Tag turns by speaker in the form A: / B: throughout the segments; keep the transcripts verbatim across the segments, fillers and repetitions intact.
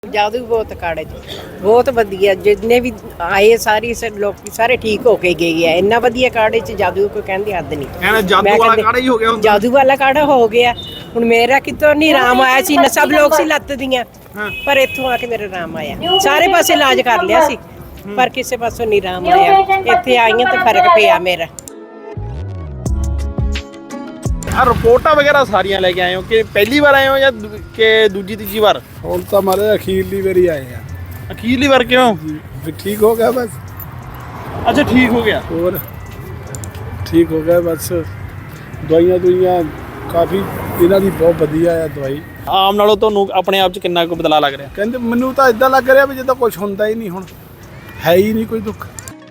A: ਜਾਦੂ ਬਹੁਤ ਕਾੜੇ ਚ ਬਹੁਤ ਵਧੀਆ ਜਿੰਨੇ ਵੀ ਆਏ ਸਾਰੀ ਲੋਕ ਸਾਰੇ ਠੀਕ ਹੋ ਕੇ ਗਏ ਆ। ਇੰਨਾ ਵਧੀਆ ਕਾੜੇ ਚ ਜਾਦੂ ਕੋਈ ਕਹਿੰਦੀ ਹੱਦ ਨਹੀਂ।
B: ਕਹਿੰਦਾ ਜਾਦੂ ਵਾਲਾ ਕਾੜਾ ਹੀ ਹੋ ਗਿਆ ਹੁਣ।
A: ਜਾਦੂ ਵਾਲਾ ਕਾੜਾ ਹੋ ਗਿਆ ਹੁਣ। ਮੇਰਾ ਕਿਤੋਂ ਨਹੀਂ ਆਰਾਮ ਆਇਆ ਸੀ ਨਾ, ਸਭ ਲੋਕ ਸੀ ਲੱਤ ਦੀਆਂ, ਪਰ ਇੱਥੋਂ ਆ ਕੇ ਮੇਰਾ ਆਰਾਮ ਆਇਆ। ਸਾਰੇ ਪਾਸੇ ਇਲਾਜ ਕਰ ਲਿਆ ਸੀ ਪਰ ਕਿਸੇ ਪਾਸੋਂ ਨਹੀਂ ਆਰਾਮ ਆਇਆ। ਇੱਥੇ ਆਈਆਂ ਤਾਂ ਫਰਕ ਪਿਆ ਮੇਰਾ।
B: ਆ ਰਿਪੋਰਟਾਂ ਵਗੈਰਾ ਸਾਰੀਆਂ ਲੈ ਕੇ ਆਏ ਹੋ ਕਿ ਪਹਿਲੀ ਵਾਰ ਆਏ ਹੋ ਜਾਂ ਕਿ ਦੂਜੀ ਤੀਜੀ ਵਾਰ?
C: ਹੁਣ ਤਾਂ ਮਾਰੇ ਅਖੀਰਲੀ ਵਾਰੀ ਆਏ ਆ।
B: ਅਖੀਰਲੀ ਵਾਰ ਕਿਉਂ?
C: ਵੀ ਠੀਕ ਹੋ ਗਿਆ ਬਸ।
B: ਅੱਛਾ ਠੀਕ ਹੋ ਗਿਆ।
C: ਹੋਰ ਠੀਕ ਹੋ ਗਿਆ ਬਸ। ਦਵਾਈਆਂ ਦੁਈਆਂ ਕਾਫੀ ਇਹਨਾਂ ਦੀ ਬਹੁਤ ਵਧੀਆ ਆ ਦਵਾਈ।
B: ਆਮ ਨਾਲੋਂ ਤੁਹਾਨੂੰ ਆਪਣੇ ਆਪ 'ਚ ਕਿੰਨਾ ਕੁ ਬਦਲਾਅ ਲੱਗ ਰਿਹਾ?
C: ਕਹਿੰਦੇ ਮੈਨੂੰ ਤਾਂ ਇਦਾਂ ਲੱਗ ਰਿਹਾ ਵੀ ਜਿੱਦਾਂ ਕੁਝ ਹੁੰਦਾ ਹੀ ਨਹੀਂ, ਹੁਣ ਹੈ ਹੀ ਨਹੀਂ ਕੋਈ ਦੁੱਖ।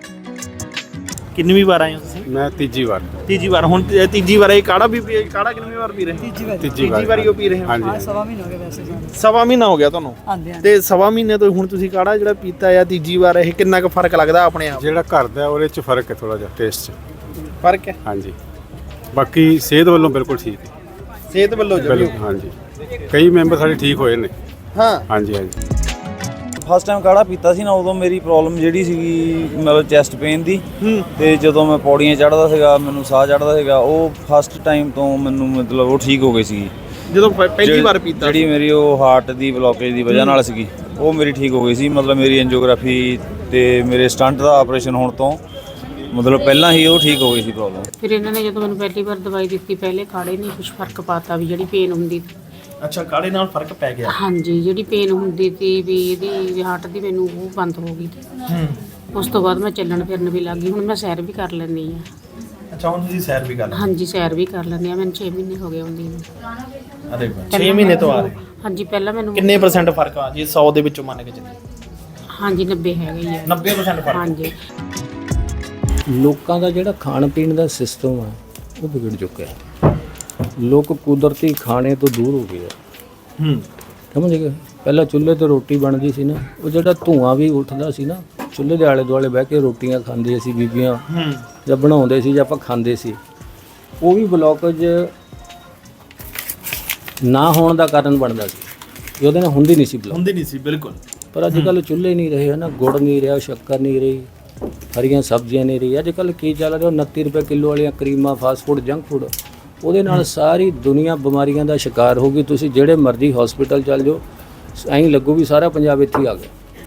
B: ਕਿੰਨੀ ਵਾਰ ਆਏ ਹੋ ਤੁਸੀਂ?
C: ਮੈਂ ਤੀਜੀ ਵਾਰ।
B: ਤੀਜੀ ਵਾਰ। ਹੁਣ ਤੀਜੀ ਵਾਰ ਇਹ ਕਾੜਾ ਵੀ ਪੀ ਕਾੜਾ ਕਿੰਨੀ ਵਾਰ ਪੀ ਰਹੇ?
D: ਤੀਜੀ ਵਾਰ।
C: ਤੀਜੀ
B: ਵਾਰੀ ਉਹ ਪੀ ਰਹੇ ਹੋ?
C: ਹਾਂਜੀ
D: ਸਵਾ ਮਹੀਨਾ ਹੋ ਗਿਆ ਵੈਸੇ ਸਾਨੂੰ।
B: ਸਵਾ ਮਹੀਨਾ ਹੋ ਗਿਆ ਤੁਹਾਨੂੰ?
D: ਆਂਦੇ ਆਂ
B: ਤੇ ਸਵਾ ਮਹੀਨੇ ਤੋਂ ਹੁਣ ਤੁਸੀਂ ਕਾੜਾ ਜਿਹੜਾ ਪੀਤਾ ਆ ਤੀਜੀ ਵਾਰ, ਇਹ ਕਿੰਨਾ ਕੁ ਫਰਕ ਲੱਗਦਾ ਆਪਣੇ ਆਪ?
C: ਜਿਹੜਾ ਘਰ ਦਾ ਉਹਦੇ ਚ ਫਰਕ ਹੈ, ਥੋੜਾ ਜਿਹਾ ਟੇਸਟ ਚ
B: ਫਰਕ ਹੈ।
C: ਹਾਂਜੀ, ਬਾਕੀ ਸਿਹਤ ਵੱਲੋਂ ਬਿਲਕੁਲ ਠੀਕ ਹੈ।
B: ਸਿਹਤ ਵੱਲੋਂ
C: ਬਿਲਕੁਲ ਹਾਂਜੀ। ਕਈ ਮੈਂਬਰ ਸਾਡੇ ਠੀਕ ਹੋਏ ਨੇ।
B: ਹਾਂ
C: ਹਾਂਜੀ ਹਾਂਜੀ।
E: ਫਸਟ ਟਾਈਮ ਕਾੜਾ ਪੀਤਾ ਸੀ ਨਾ, ਉਦੋਂ ਮੇਰੀ ਪ੍ਰੋਬਲਮ ਜਿਹੜੀ ਸੀਗੀ ਮਤਲਬ ਚੈਸਟ ਪੇਨ ਦੀ, ਤੇ ਜਦੋਂ ਮੈਂ ਪੌੜੀਆਂ ਚੜ੍ਹਦਾ ਸੀਗਾ ਮੈਨੂੰ ਸਾਹ ਚੜ੍ਹਦਾ ਸੀਗਾ, ਉਹ ਫਸਟ ਟਾਈਮ ਤੋਂ ਮੈਨੂੰ ਮਤਲਬ ਉਹ ਠੀਕ ਹੋ ਗਈ ਸੀਗੀ
B: ਜਦੋਂ ਪਹਿਲੀ ਵਾਰ ਪੀਤਾ।
E: ਜਿਹੜੀ ਮੇਰੀ ਉਹ ਹਾਰਟ ਦੀ ਬਲੋਕੇਜ ਦੀ ਵਜ੍ਹਾ ਨਾਲ ਸੀਗੀ, ਉਹ ਮੇਰੀ ਠੀਕ ਹੋ ਗਈ ਸੀ। ਮਤਲਬ ਮੇਰੀ ਐਂਜੀਓਗ੍ਰਾਫੀ ਤੇ ਮੇਰੇ ਸਟੰਟ ਦਾ ਆਪਰੇਸ਼ਨ ਹੋਣ ਤੋਂ ਮਤਲਬ ਪਹਿਲਾਂ ਹੀ ਉਹ ਠੀਕ ਹੋ ਗਈ ਸੀ ਪ੍ਰੋਬਲਮ।
F: ਫਿਰ ਇਹਨਾਂ ਨੇ ਜਦੋਂ ਮੈਨੂੰ ਪਹਿਲੀ ਵਾਰ ਦਵਾਈ ਦਿੱਤੀ, ਪਹਿਲੇ ਕਾੜੇ ਨੇ ਕੁਝ ਫਰਕ ਪਾਤਾ ਵੀ ਜਿਹੜੀ ਪੇਨ ਹੁੰਦੀ।
B: ਅੱਛਾ ਕਾੜੇ ਨਾਲ ਫਰਕ ਪੈ ਗਿਆ?
F: ਹਾਂਜੀ, ਜਿਹੜੀ ਪੇਨ ਹੁੰਦੀ ਸੀ ਵੀ ਇਹਦੀ ਹਾਰਟ ਦੀ, ਮੈਨੂੰ ਉਹ ਬੰਦ ਹੋ ਗਈ।
B: ਹੂੰ। ਉਸ
F: ਉਸ ਤੋਂ ਬਾਅਦ ਮੈਂ ਚੱਲਣ ਫਿਰਨ ਵੀ ਲੱਗ ਗਈ। ਹੁਣ ਮੈਂ ਸੈਰ ਵੀ ਕਰ ਲੈਂਦੀ ਆ।
B: ਅੱਛਾ ਹੁਣ ਤੁਸੀਂ ਸੈਰ ਵੀ ਕਰ ਲੈਂਦੇ?
F: ਹਾਂਜੀ ਸੈਰ ਵੀ ਕਰ ਲੈਂਦੀ ਆ। ਮੈਨੂੰ ਛੇ ਮਹੀਨੇ ਹੋ ਗਏ ਹੁੰਦੀ ਨੂੰ।
B: ਅਰੇ ਛੇ ਮਹੀਨੇ ਤੋਂ ਆ ਰਹੇ?
F: ਹਾਂਜੀ ਪਹਿਲਾਂ ਮੈਨੂੰ
B: ਕਿੰਨੇ ਪਰਸੈਂਟ ਫਰਕ ਆ ਜੀ ਸੌ ਦੇ ਵਿੱਚੋਂ ਮੰਨ ਕੇ ਚੱਲੀਏ?
F: ਹਾਂਜੀ ਨੱਬੇ ਹੈਗਾ ਹੀ ਆ।
B: ਨੱਬੇ ਪਰਸੈਂਟ ਫਰਕ?
F: ਹਾਂਜੀ।
G: ਲੋਕਾਂ ਦਾ ਜਿਹੜਾ ਖਾਣ ਪੀਣ ਦਾ ਸਿਸਟਮ ਆ ਉਹ ਵਿਗੜ ਚੁੱਕਿਆ। ਲੋਕ ਕੁਦਰਤੀ ਖਾਣੇ ਤੋਂ ਦੂਰ ਹੋ ਗਏ ਆ।
B: ਹੂੰ
G: ਸਮਝ ਗਏ? ਪਹਿਲਾਂ ਚੁੱਲ੍ਹੇ ਤੇ ਰੋਟੀ ਬਣਦੀ ਸੀ ਨਾ, ਉਹ ਜਿਹੜਾ ਧੂੰਆਂ ਵੀ ਉੱਠਦਾ ਸੀ ਨਾ, ਚੁੱਲ੍ਹੇ ਦੇ ਆਲੇ ਦੁਆਲੇ ਬਹਿ ਕੇ ਰੋਟੀਆਂ ਖਾਂਦੀਆਂ ਸੀ ਬੀਬੀਆਂ,
B: ਹੂੰ
G: ਜਾਂ ਬਣਾਉਂਦੇ ਸੀ ਜਾਂ ਆਪਾਂ ਖਾਂਦੇ ਸੀ, ਉਹ ਵੀ ਬਲੋਕੇਜ ਨਾ ਹੋਣ ਦਾ ਕਾਰਨ ਬਣਦਾ ਸੀ। ਉਹਦੇ ਨਾਲ ਹੁੰਦੀ ਨਹੀਂ ਸੀ ਬਲੋਕ।
B: ਹੁੰਦੀ ਨਹੀਂ ਸੀ ਬਿਲਕੁਲ।
G: ਪਰ ਅੱਜ ਕੱਲ੍ਹ ਚੁੱਲ੍ਹੇ ਨਹੀਂ ਰਹੇ ਨਾ, ਗੁੜ ਨਹੀਂ ਰਿਹਾ, ਸ਼ੱਕਰ ਨਹੀਂ ਰਹੀ, ਹਰੀਆਂ ਸਬਜ਼ੀਆਂ ਨਹੀਂ ਰਹੀ। ਅੱਜ ਕੱਲ੍ਹ ਕੀ ਚੱਲ ਰਿਹਾ? ਉਨੱਤੀ ਰੁਪਏ ਕਿਲੋ ਵਾਲੀਆਂ ਕਰੀਮਾਂ, ਫਾਸਟ ਫੂਡ, ਜੰਕ ਫੂਡ, ਉਹਦੇ ਨਾਲ ਸਾਰੀ ਦੁਨੀਆ ਬਿਮਾਰੀਆਂ ਦਾ ਸ਼ਿਕਾਰ ਹੋ ਗਈ। ਤੁਸੀਂ ਜਿਹੜੇ ਮਰਜ਼ੀ ਹਸਪੀਟਲ ਚੱਲ ਜਾਓ, ਐਂ ਲੱਗੂ ਵੀ ਸਾਰਾ ਪੰਜਾਬ ਇੱਥੇ ਆ ਗਿਆ।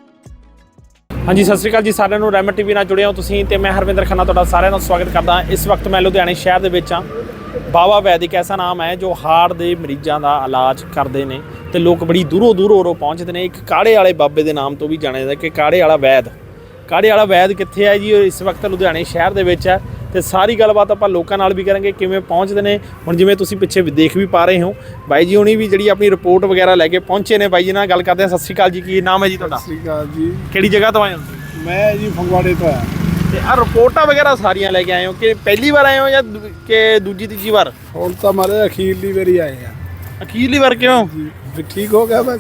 B: ਹਾਂਜੀ ਸਤਿ ਸ਼੍ਰੀ ਅਕਾਲ ਜੀ ਸਾਰਿਆਂ ਨੂੰ। ਰੈਮਟ ਟੀਵੀ ਨਾਲ ਜੁੜੇ ਹੋ ਤੁਸੀਂ ਤੇ ਮੈਂ ਹਰਵਿੰਦਰ ਖੰਨਾ ਤੁਹਾਡਾ ਸਾਰਿਆਂ ਦਾ ਸਵਾਗਤ ਕਰਦਾ। ਇਸ ਵਕਤ ਮੈਂ ਲੁਧਿਆਣੇ ਸ਼ਹਿਰ ਦੇ ਵਿੱਚ ਹਾਂ। ਬਾਬਾ ਵੈਦ ਇੱਕ ਐਸਾ ਨਾਮ ਹੈ ਜੋ ਹਾਰਟ ਦੇ ਮਰੀਜ਼ਾਂ ਦਾ ਇਲਾਜ ਕਰਦੇ ਨੇ ਤੇ ਲੋਕ ਬੜੀ ਦੂਰੋਂ ਦੂਰੋਂ ਉਰੋਂ ਪਹੁੰਚਦੇ ਨੇ। ਇੱਕ ਕਾੜੇ ਵਾਲੇ ਬਾਬੇ ਦੇ ਨਾਮ ਤੋਂ ਵੀ ਜਾਣਿਆ ਜਾਂਦਾ ਕਿ ਕਾੜੇ ਵਾਲਾ ਵੈਦ। ਕਾੜੇ ਵਾਲਾ ਵੈਦ ਕਿੱਥੇ ਹੈ ਜੀ? ਇਸ ਵਕਤ ਲੁਧਿਆਣੇ ਸ਼ਹਿਰ ਦੇ ਵਿੱਚ ਹੈ ਤੇ ਸਾਰੀ ਗੱਲਬਾਤ ਆਪਾਂ ਲੋਕਾਂ ਨਾਲ ਵੀ ਕਰਾਂਗੇ ਕਿਵੇਂ ਪਹੁੰਚਦੇ ਨੇ। ਹੁਣ ਜਿਵੇਂ ਤੁਸੀਂ ਪਿੱਛੇ ਦੇਖ ਵੀ ਪਾ ਰਹੇ ਹੋ, ਬਾਈ ਜੀ ਹੁਣੀ ਵੀ ਜਿਹੜੀ ਆਪਣੀ ਰਿਪੋਰਟ ਵਗੈਰਾ ਲੈ ਕੇ ਪਹੁੰਚੇ ਨੇ। ਬਾਈ ਜੀ ਨਾਲ ਗੱਲ ਕਰਦੇ ਹਾਂ। ਸਤਿ ਸ਼੍ਰੀ ਅਕਾਲ ਜੀ, ਕੀ ਨਾਮ ਹੈ ਜੀ ਤੁਹਾਡਾ?
C: ਸਤਿ ਸ਼੍ਰੀ ਅਕਾਲ ਜੀ।
B: ਕਿਹੜੀ ਜਗ੍ਹਾ ਤੋਂ ਆਏ ਹੋ?
C: ਮੈਂ ਜੀ ਫਗਵਾੜੇ ਤੋਂ ਆਇਆ।
B: ਤੇ ਆ ਰਿਪੋਰਟਾਂ ਵਗੈਰਾ ਸਾਰੀਆਂ ਲੈ ਕੇ ਆਏ ਹੋ ਕਿ ਪਹਿਲੀ ਵਾਰ ਆਏ ਹੋ ਜਾਂ ਕਿ ਦੂਜੀ ਤੀਜੀ ਵਾਰ?
C: ਹੁਣ ਤਾਂ ਮਾਰੇ ਅਖੀਰਲੀ ਵਾਰੀ ਆਏ ਆ।
B: ਅਖੀਰਲੀ ਵਾਰ ਕਿਉਂ?
C: ਵੀ ਠੀਕ ਹੋ ਗਿਆ ਬਸ।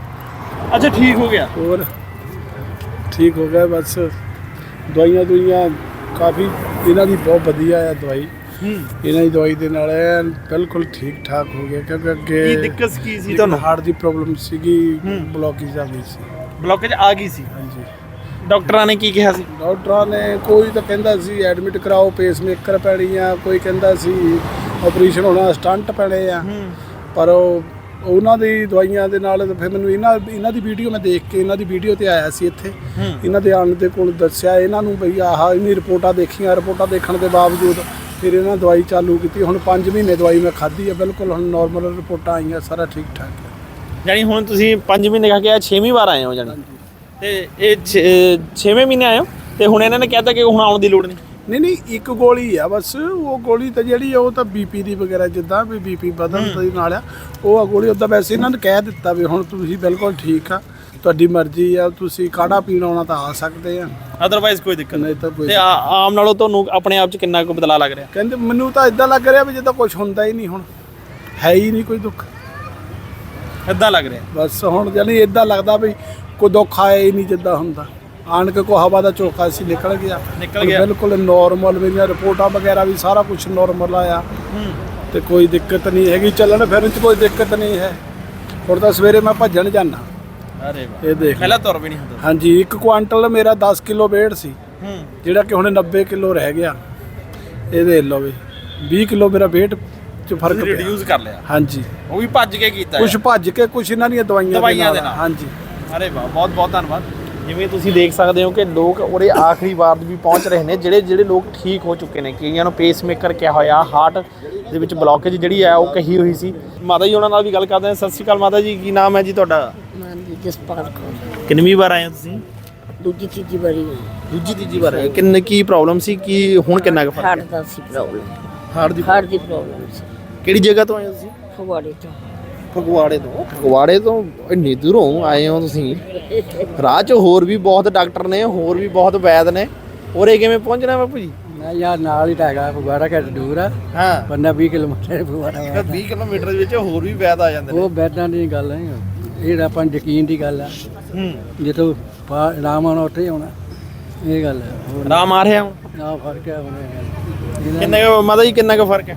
B: ਅੱਛਾ ਠੀਕ ਹੋ ਗਿਆ।
C: ਹੋਰ ਠੀਕ ਹੋ ਗਿਆ ਬਸ। ਦਵਾਈਆਂ ਦੁਈਆਂ ਕਾਫੀ ਇਹਨਾਂ ਦੀ ਬਹੁਤ ਵਧੀਆ ਆ ਦਵਾਈ।
B: ਹੂੰ
C: ਇਹਨਾਂ ਦੀ ਦਵਾਈ ਦੇ ਨਾਲ ਐਨ ਬਿਲਕੁਲ ਠੀਕ ਠਾਕ ਹੋ ਗਿਆ। ਕਿਉਂਕਿ
B: ਕੀ
C: ਅੱਗੇ
B: ਦਿੱਕਤ ਕੀ ਸੀ ਤੁਹਾਨੂੰ?
C: ਹਾਰਟ ਦੀ ਪ੍ਰੋਬਲਮ ਸੀਗੀ,
B: ਹੂੰ।
C: ਬਲੋਕੇਜ ਆ ਗਈ ਸੀ।
B: ਬਲੋਕੇਜ ਆ ਗਈ ਸੀ?
C: ਹਾਂਜੀ।
B: ਡਾਕਟਰਾਂ ਨੇ ਕੀ ਕਿਹਾ ਸੀ?
C: ਡਾਕਟਰਾਂ ਨੇ ਕੋਈ ਤਾਂ ਕਹਿੰਦਾ ਸੀ ਐਡਮਿਟ ਕਰਾਓ, ਪੇਸਮੇਕਰ ਪੈਣੀ ਆ, ਕੋਈ ਕਹਿੰਦਾ ਸੀ ਆਪਰੇਸ਼ਨ ਹੋਣਾ, ਸਟੰਟ ਪੈਣੇ ਆ। ਪਰ ਉਹ ਉਹਨਾਂ ਦੀ ਦਵਾਈਆਂ ਦੇ ਨਾਲ ਫਿਰ ਮੈਨੂੰ ਇਹਨਾਂ ਇਹਨਾਂ ਦੀ ਵੀਡੀਓ ਮੈਂ ਦੇਖ ਕੇ ਇਹਨਾਂ ਦੀ ਵੀਡੀਓ ਤੇ ਆਇਆ ਸੀ ਇੱਥੇ। ਇਹਨਾਂ ਦੇ ਆਉਣ ਦੇ ਕੋਲ ਦੱਸਿਆ ਇਹਨਾਂ ਨੂੰ ਬਈ ਆਹ ਇੰਨੀ ਰਿਪੋਰਟਾਂ ਦੇਖੀਆਂ। ਰਿਪੋਰਟਾਂ ਦੇਖਣ ਦੇ ਬਾਵਜੂਦ ਫਿਰ ਇਹਨਾਂ ਦਵਾਈ ਚਾਲੂ ਕੀਤੀ। ਹੁਣ ਪੰਜ ਮਹੀਨੇ ਦਵਾਈ ਮੈਂ ਖਾਧੀ ਆ, ਬਿਲਕੁਲ ਹੁਣ ਨੋਰਮਲ ਰਿਪੋਰਟਾਂ ਆਈਆਂ, ਸਾਰਾ ਠੀਕ ਠਾਕ ਹੈ।
B: ਜਾਣੀ ਹੁਣ ਤੁਸੀਂ ਪੰਜ ਮਹੀਨੇ ਖਾ ਕੇ ਆ ਛੇਵੀਂ ਵਾਰ ਆਏ ਹੋ ਜਾਣੀ? ਤੇ ਇਹ ਛੇਵੇਂ ਮਹੀਨੇ ਆਏ ਹੋ ਤੇ ਹੁਣ ਇਹਨਾਂ ਨੇ ਕਹਿਤਾ ਕਿ ਹੁਣ ਆਉਣ ਦੀ ਲੋੜ ਨਹੀਂ?
C: ਨਹੀਂ ਨਹੀਂ, ਇੱਕ ਗੋਲੀ ਆ ਬਸ। ਉਹ ਗੋਲੀ ਤਾਂ ਜਿਹੜੀ ਉਹ ਤਾਂ ਬੀਪੀ ਦੀ ਵਗੈਰਾ, ਜਿੱਦਾਂ ਵੀ ਬੀਪੀ ਵਧਣ ਦੇ ਨਾਲ ਆ ਉਹ ਆ ਗੋਲੀ। ਉੱਦਾਂ ਵੈਸੇ ਇਹਨਾਂ ਨੇ ਕਹਿ ਦਿੱਤਾ ਵੀ ਹੁਣ ਤੁਸੀਂ ਬਿਲਕੁਲ ਠੀਕ ਆ, ਤੁਹਾਡੀ ਮਰਜ਼ੀ ਆ, ਤੁਸੀਂ ਕਾੜਾ ਪੀਣ ਆਉਣਾ ਤਾਂ ਆ ਸਕਦੇ ਆ,
B: ਅਦਰਵਾਈਜ਼ ਕੋਈ ਦਿੱਕਤ
C: ਨਹੀਂ ਤਾਂ ਕੋਈ।
B: ਤੇ ਆਮ ਨਾਲੋਂ ਤੁਹਾਨੂੰ ਆਪਣੇ ਆਪ 'ਚ ਕਿੰਨਾ ਕੁ ਬਦਲਾਅ ਲੱਗ ਰਿਹਾ?
C: ਕਹਿੰਦੇ ਮੈਨੂੰ ਤਾਂ ਇਦਾਂ ਲੱਗ ਰਿਹਾ ਵੀ ਜਿੱਦਾਂ ਕੁਝ ਹੁੰਦਾ ਹੀ ਨਹੀਂ, ਹੁਣ ਹੈ ਹੀ ਨਹੀਂ ਕੋਈ ਦੁੱਖ।
B: ਇੱਦਾਂ ਲੱਗ ਰਿਹਾ
C: ਬਸ ਹੁਣ ਜਾਨੀ ਇਦਾਂ ਲੱਗਦਾ ਵੀ ਕੋਈ ਦੁੱਖ ਆਇਆ ਹੀ ਨਹੀਂ ਜਿੱਦਾਂ ਹੁੰਦਾ। ਆਣ ਕੇ ਕੋ ਹਵਾ ਦਾ ਝੋਕਾ ਸੀ ਨਿਕਲ ਗਿਆ
B: ਨਿਕਲ ਗਿਆ
C: ਬਿਲਕੁਲ ਨੋਰਮਲ। ਮੇਰੀਆਂ ਰਿਪੋਰਟਾਂ ਵਗੈਰਾ ਵੀ ਸਾਰਾ ਕੁਝ ਨੋਰਮਲ ਆਇਆ ਤੇ ਕੋਈ ਦਿੱਕਤ ਨਹੀਂ ਹੈਗੀ। ਚੱਲਣ ਫਿਰਨ 'ਚ ਕੋਈ ਦਿੱਕਤ ਨਹੀਂ ਹੈ। ਹੁਣ ਤਾਂ ਸਵੇਰੇ ਮੈਂ ਭੱਜਣ ਜਾਂਦਾ
B: ਅਰੇ ਵਾਹ,
C: ਇਹ ਦੇਖ ਲਓ।
B: ਪਹਿਲਾਂ ਤੁਰ ਵੀ ਨਹੀਂ ਹੁੰਦਾ
C: ਹਾਂਜੀ ਇੱਕ ਕੁਆਂਟਲ ਮੇਰਾ ਦਸ ਕਿਲੋ weight ਸੀ,
B: ਹੂੰ
C: ਜਿਹੜਾ ਕਿ ਹੁਣ ਨੱਬੇ ਕਿਲੋ ਰਹਿ ਗਿਆ। ਇਹ ਦੇਖ ਲਓ ਵੀ ਵੀਹ ਕਿਲੋ ਮੇਰਾ weight ਚ ਫਰਕ ਪਿਆ।
B: ਰਿਡਿਊਸ ਕਰ ਲਿਆ,
C: ਹਾਂਜੀ
B: ਉਹ ਵੀ ਭੱਜ ਕੇ ਕੀਤਾ
C: ਕੁਝ ਭੱਜ ਕੇ, ਕੁਝ ਇਹਨਾਂ ਦੀਆਂ ਦਵਾਈਆਂ
B: ਦਵਾਈਆਂ ਦੇ ਨਾਲ।
C: ਹਾਂਜੀ
B: ਅਰੇ ਵਾਹ, ਬਹੁਤ ਬਹੁਤ ਧੰਨਵਾਦ। ਜਿਵੇਂ ਤੁਸੀਂ ਦੇਖ ਸਕਦੇ ਹੋ ਕਿ ਲੋਕ ਉਹਦੇ ਆਖਰੀ ਵਾਰ ਵੀ ਪਹੁੰਚ ਰਹੇ ਨੇ, ਜਿਹੜੇ ਜਿਹੜੇ ਲੋਕ ਠੀਕ ਹੋ ਚੁੱਕੇ ਨੇ। ਕਈਆਂ ਨੂੰ ਪੇਸਮੇਕਰ ਕਿਹਾ ਹੋਇਆ, ਹਾਰਟ ਦੇ ਵਿੱਚ ਬਲੌਕੇਜ ਜਿਹੜੀ ਹੈ ਉਹ ਕਹੀ ਹੋਈ ਸੀ। ਮਾਤਾ ਜੀ ਉਹਨਾਂ ਨਾਲ ਵੀ ਗੱਲ ਕਰਦੇ ਹਾਂ। ਸਤਿ ਸ਼੍ਰੀ ਅਕਾਲ ਮਾਤਾ ਜੀ, ਕੀ ਨਾਮ ਹੈ ਜੀ ਤੁਹਾਡਾ?
D: ਹਾਂਜੀ ਜਸਪਾਲ ਕੌਰ
B: ਕਿੰਨੀ ਵਾਰ ਆਏ ਹੋ ਤੁਸੀਂ?
D: ਦੂਜੀ ਤੀਜੀ ਵਾਰੀ
B: ਦੂਜੀ ਤੀਜੀ ਵਾਰ ਆਏ। ਕਿੰਨੇ ਕੀ ਪ੍ਰੋਬਲਮ ਸੀ, ਕੀ ਹੁਣ ਕਿੰਨਾ ਕੁ ਫਰਕ
D: ਹਾਰਟ
B: ਹੈ?
D: ਦਾ ਸੀ ਪ੍ਰੋਬਲਮ,
B: ਹਾਰਟ ਦੀ
D: ਹਾਰਟ ਦੀ ਪ੍ਰੋਬਲਮ ਸੀ।
B: ਕਿਹੜੀ ਜਗ੍ਹਾ ਤੋਂ ਆਏ ਹੋ ਤੁਸੀਂ?
D: ਫਗਵਾੜੇ ਤੋਂ
B: ਫਗਵਾੜੇ ਤੋਂ? ਫਗਵਾੜੇ ਤੋਂ ਇੰਨੀ ਦੂਰੋਂ ਆਏ ਹੋ ਤੁਸੀਂ? ਰਾਹ 'ਚ ਹੋਰ ਵੀ ਬਹੁਤ ਡਾਕਟਰ ਨੇ, ਹੋਰ ਵੀ ਬਹੁਤ ਵੈਦ ਨੇ, ਉਰੇ ਕਿਵੇਂ ਪਹੁੰਚਣਾ ਬਾਪੂ ਜੀ?
H: ਮੈਂ ਯਾਰ ਨਾਲ ਹੀ ਤਾਂ ਹੈਗਾ, ਫਗਵਾੜਾ ਘੱਟ ਦੂਰ ਆ,
B: ਹਾਂ,
H: ਬੰਦਾ ਵੀਹ ਕਿਲੋਮੀਟਰ ਫਗਵਾੜਾ।
B: ਵੀਹ ਕਿਲੋਮੀਟਰ ਦੇ ਵਿੱਚ ਹੋਰ ਵੀ ਵੈਦ ਆ ਜਾਂਦੇ ਨੇ।
H: ਉਹ ਬੈਦਾਂ ਦੀ ਗੱਲ ਨਹੀਂ, ਇਹ ਤਾਂ ਆਪਾਂ ਨੂੰ ਯਕੀਨ ਦੀ ਗੱਲ ਆ।
B: ਹੂੰ,
H: ਜਿੱਥੋਂ ਪਾ- ਆਰਾਮ ਆਉਣਾ ਉੱਥੇ ਹੀ ਆਉਣਾ, ਇਹ ਗੱਲ ਹੈ। ਹੋਰ
B: ਆਰਾਮ ਆ ਰਿਹਾ ਹੁਣ?
H: ਨਾ ਫਰਕ ਹੈ ਹੁਣ
B: ਕਿੰਨੇ ਕੁ ਮਾਤਾ ਜੀ, ਕਿੰਨਾ ਕੁ ਫਰਕ ਹੈ?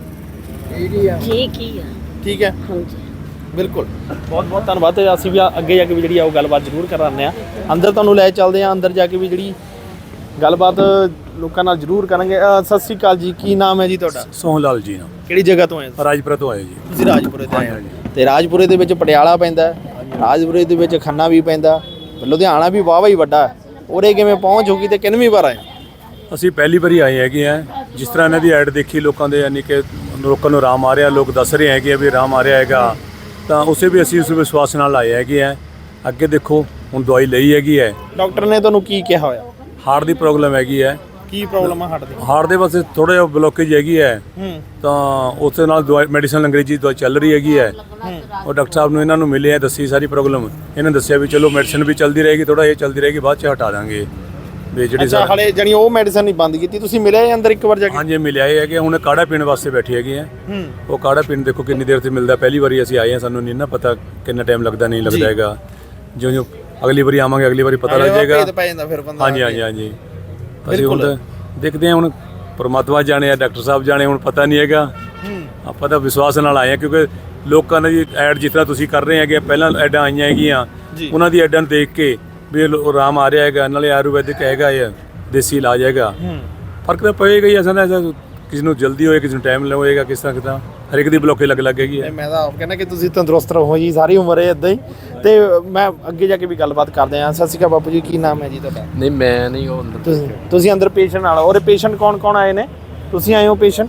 H: ਇਹ ਹੀ ਆ।
D: ਠੀਕ ਹੀ ਆ।
B: ਠੀਕ ਹੈ,
D: ਹਾਂਜੀ
B: ਬਿਲਕੁਲ। ਬਹੁਤ ਬਹੁਤ ਧੰਨਵਾਦ। ਤੇ ਅਸੀਂ ਵੀ ਅੱਗੇ ਜਾ ਕੇ ਵੀ ਜਿਹੜੀ ਆ ਉਹ ਗੱਲਬਾਤ ਜ਼ਰੂਰ ਕਰਾਉਂਦੇ ਆ। ਅੰਦਰ ਤੁਹਾਨੂੰ ਲੈ ਚੱਲਦੇ ਆ, ਅੰਦਰ ਜਾ ਕੇ ਵੀ ਜਿਹੜੀ ਗੱਲਬਾਤ ਲੋਕਾਂ ਨਾਲ ਜ਼ਰੂਰ ਕਰਾਂਗੇ। ਅ, ਸਤਿ ਸ੍ਰੀ ਅਕਾਲ ਜੀ, ਕੀ ਨਾਮ ਹੈ ਜੀ ਤੁਹਾਡਾ?
I: ਸੋਹਣ ਲਾਲ ਜੀ ਨਾਮ,
B: ਕਿਹੜੀ ਜਗ੍ਹਾ ਤੋਂ ਆਏ ਹੋ?
I: ਰਾਜਪੁਰਾ ਤੋਂ ਆਏ ਜੀ।
B: ਤੁਸੀਂ ਰਾਜਪੁਰੇ ਤੋਂ ਆਏ ਹੋ। ਤੇ ਰਾਜਪੁਰੇ ਦੇ ਵਿੱਚ ਪਟਿਆਲਾ ਪੈਂਦਾ, ਰਾਜਪੁਰੇ ਦੇ ਵਿੱਚ ਖੰਨਾ ਵੀ ਪੈਂਦਾ, ਲੁਧਿਆਣਾ ਵੀ ਵਾਹਵਾ ਹੀ ਵੱਡਾ। ਉਰੇ ਕਿਵੇਂ ਪਹੁੰਚ ਹੋ ਗਈ ਤੇ ਕਿੰਨਵੀਂ ਵਾਰ ਆਏ?
I: ਅਸੀਂ ਪਹਿਲੀ ਵਾਰੀ ਆਏ ਹੈਗੇ ਆ। ਜਿਸ ਤਰ੍ਹਾਂ ਇਹਨਾਂ ਦੀ ਐਡ ਦੇਖੀ ਲੋਕਾਂ ਦੇ, ਯਾਨੀ ਕਿ ਲੋਕਾਂ ਨੂੰ ਆਰਾਮ ਆ ਰਿਹਾ, ਲੋਕ ਦੱਸ ਰਹੇ ਹੈਗੇ ਆ ਵੀ ਆਰਾਮ ਆ ਰਿਹਾ ਹੈਗਾ, ਤਾਂ ਉਸੇ ਵੀ ਅਸੀਂ ਉਸ ਵਿਸ਼ਵਾਸ ਨਾਲ ਆਏ ਹੈਗੇ ਆ। ਅੱਗੇ ਦੇਖੋ, ਹੁਣ ਦਵਾਈ ਲਈ ਹੈਗੀ ਹੈ।
B: ਡਾਕਟਰ ਨੇ ਤੁਹਾਨੂੰ ਕੀ ਕਿਹਾ ਹੋਇਆ?
I: ਹਾਰਟ ਦੀ ਪ੍ਰੋਬਲਮ ਹੈਗੀ ਹੈ।
B: ਕੀ ਪ੍ਰੋਬਲਮ ਆ ਹਾਰਟ ਦੀ?
I: ਹਾਰਟ ਦੇ ਪਾਸੇ ਥੋੜਾ ਜਿਹਾ ਬਲੋਕੇਜ ਹੈਗੀ ਹੈ,
B: ਹੂੰ,
I: ਤਾਂ ਉਸ ਦੇ ਨਾਲ ਦਵਾਈ ਮੈਡੀਸਨ ਅੰਗਰੇਜ਼ੀ ਦਵਾਈ ਚੱਲ ਰਹੀ ਹੈਗੀ ਹੈ। ਉਹ ਡਾਕਟਰ ਸਾਹਿਬ ਨੂੰ ਇਹਨਾਂ ਨੂੰ ਮਿਲੇ ਆ, ਦੱਸੀ ਸਾਰੀ ਪ੍ਰੋਬਲਮ। ਇਹਨਾਂ ਦੱਸਿਆ ਵੀ ਚਲੋ ਮੈਡੀਸਨ ਵੀ ਚੱਲਦੀ ਰਹੇਗੀ, ਥੋੜਾ ਇਹ ਚੱਲਦੀ ਰਹੇਗੀ, ਬਾਅਦ 'ਚ ਹਟਾ ਦਾਂਗੇ ਵੀ ਜਿਹੜੀ
B: ਅੱਛਾ, ਹਲੇ ਜਾਨੀ ਉਹ ਮੈਡੀਸਨ ਨਹੀਂ ਬੰਦ ਕੀਤੀ, ਤੁਸੀਂ ਮਿਲੇ ਅੰਦਰ ਇੱਕ ਵਾਰ ਜਾ ਕੇ?
I: ਹਾਂਜੀ ਮਿਲਿਆ ਇਹ ਹੈ ਕਿ ਹੁਣ ਕਾੜਾ ਪੀਣ ਵਾਸਤੇ ਬੈਠੇ ਹੈਗੇ ਆ।
B: ਹੂੰ,
I: ਉਹ ਕਾੜਾ ਪੀਣ ਦੇਖੋ ਕਿੰਨੀ ਦੇਰ ਤੇ ਮਿਲਦਾ। ਪਹਿਲੀ ਵਾਰੀ ਅਸੀਂ ਆਏ ਹਾਂ, ਸਾਨੂੰ ਨਹੀਂ ਨਾ ਪਤਾ ਕਿੰਨਾ ਟਾਈਮ ਲੱਗਦਾ, ਨਹੀਂ ਲੱਗਦਾ ਹੈਗਾ। ਜਿਉਂ ਜਿਉਂ ਅਗਲੀ ਵਾਰੀ ਆਵਾਂਗੇ, ਅਗਲੀ ਵਾਰੀ ਪਤਾ ਲੱਗ ਜਾਏਗਾ।
B: ਭੇਦ ਪੈ ਜਾਂਦਾ ਫਿਰ ਬੰਦਾ।
I: ਹਾਂਜੀ ਹਾਂਜੀ ਹਾਂਜੀ ਅਸੀਂ ਹੁਣ ਤਾਂ ਦੇਖਦੇ ਹਾਂ, ਹੁਣ ਪਰਮਾਤਮਾ ਜਾਣੇ ਆ, ਡਾਕਟਰ ਸਾਹਿਬ ਜਾਣੇ, ਹੁਣ ਪਤਾ ਨਹੀਂ ਹੈਗਾ। ਆਪਾਂ ਤਾਂ ਵਿਸ਼ਵਾਸ ਨਾਲ ਆਏ ਹਾਂ, ਕਿਉਂਕਿ ਲੋਕਾਂ ਨੇ ਜੀ ਐਡ ਜਿਸ ਤਰ੍ਹਾਂ ਤੁਸੀਂ ਕਰ ਰਹੇ ਹੈਗੇ, ਪਹਿਲਾਂ ਐਡਾਂ ਆਈਆਂ ਹੈਗੀਆਂ, ਉਹਨਾਂ ਦੀ ਐਡਾਂ ਨੂੰ ਦੇਖ ਕੇ ਵੀ ਇਹ ਲੋ- ਆਰਾਮ ਆ ਰਿਹਾ ਹੈਗਾ, ਨਾਲੇ ਆਯੁਰਵੈਦਿਕ ਹੈਗਾ, ਇਹ ਦੇਸੀ ਇਲਾਜ ਹੈਗਾ। ਫਰਕ ਤਾਂ ਪਏਗਾ ਹੀ, ਐਸਾ ਨਾ ਐਸਾ ਕਿਸੇ ਨੂੰ ਜਲਦੀ ਹੋਏ, ਕਿਸੇ ਨੂੰ ਟਾਈਮ ਹੋਏਗਾ, ਕਿਸ ਤਰ੍ਹਾਂ ਕਿਦਾਂ ਹਰ ਇੱਕ ਦੀ ਬਲੋਕੇ ਲੱਗ ਲੱਗੇਗੀ।
B: ਮੈਂ ਤਾਂ ਆਪ ਕਹਿੰਦਾ ਕਿ ਤੁਸੀਂ ਤੰਦਰੁਸਤ ਰਹੋ ਜੀ, ਸਾਰੀ ਉਮਰ ਇਹ ਇਦਾਂ ਹੀ। ਤੇ ਮੈਂ ਅੱਗੇ ਜਾ ਕੇ ਵੀ ਗੱਲਬਾਤ ਕਰਦੇ ਹਾਂ। ਸਤਿ ਸ਼੍ਰੀ ਅਕਾਲ ਬਾਪੂ ਜੀ, ਕੀ ਨਾਮ ਹੈ ਜੀ ਤੁਹਾਡਾ?
G: ਨਹੀਂ ਮੈਂ ਨਹੀਂ ਉਹ ਅੰਦਰ।
B: ਤੁਸੀਂ ਤੁਸੀਂ ਅੰਦਰ ਪੇਸ਼ੈਂਟ ਨਾਲ? ਔਰ ਪੇਸ਼ੈਂਟ ਕੌਣ ਕੌਣ ਆਏ ਨੇ? ਤੁਸੀਂ ਆਏ ਹੋ ਪੇਸ਼ੈਂਟ?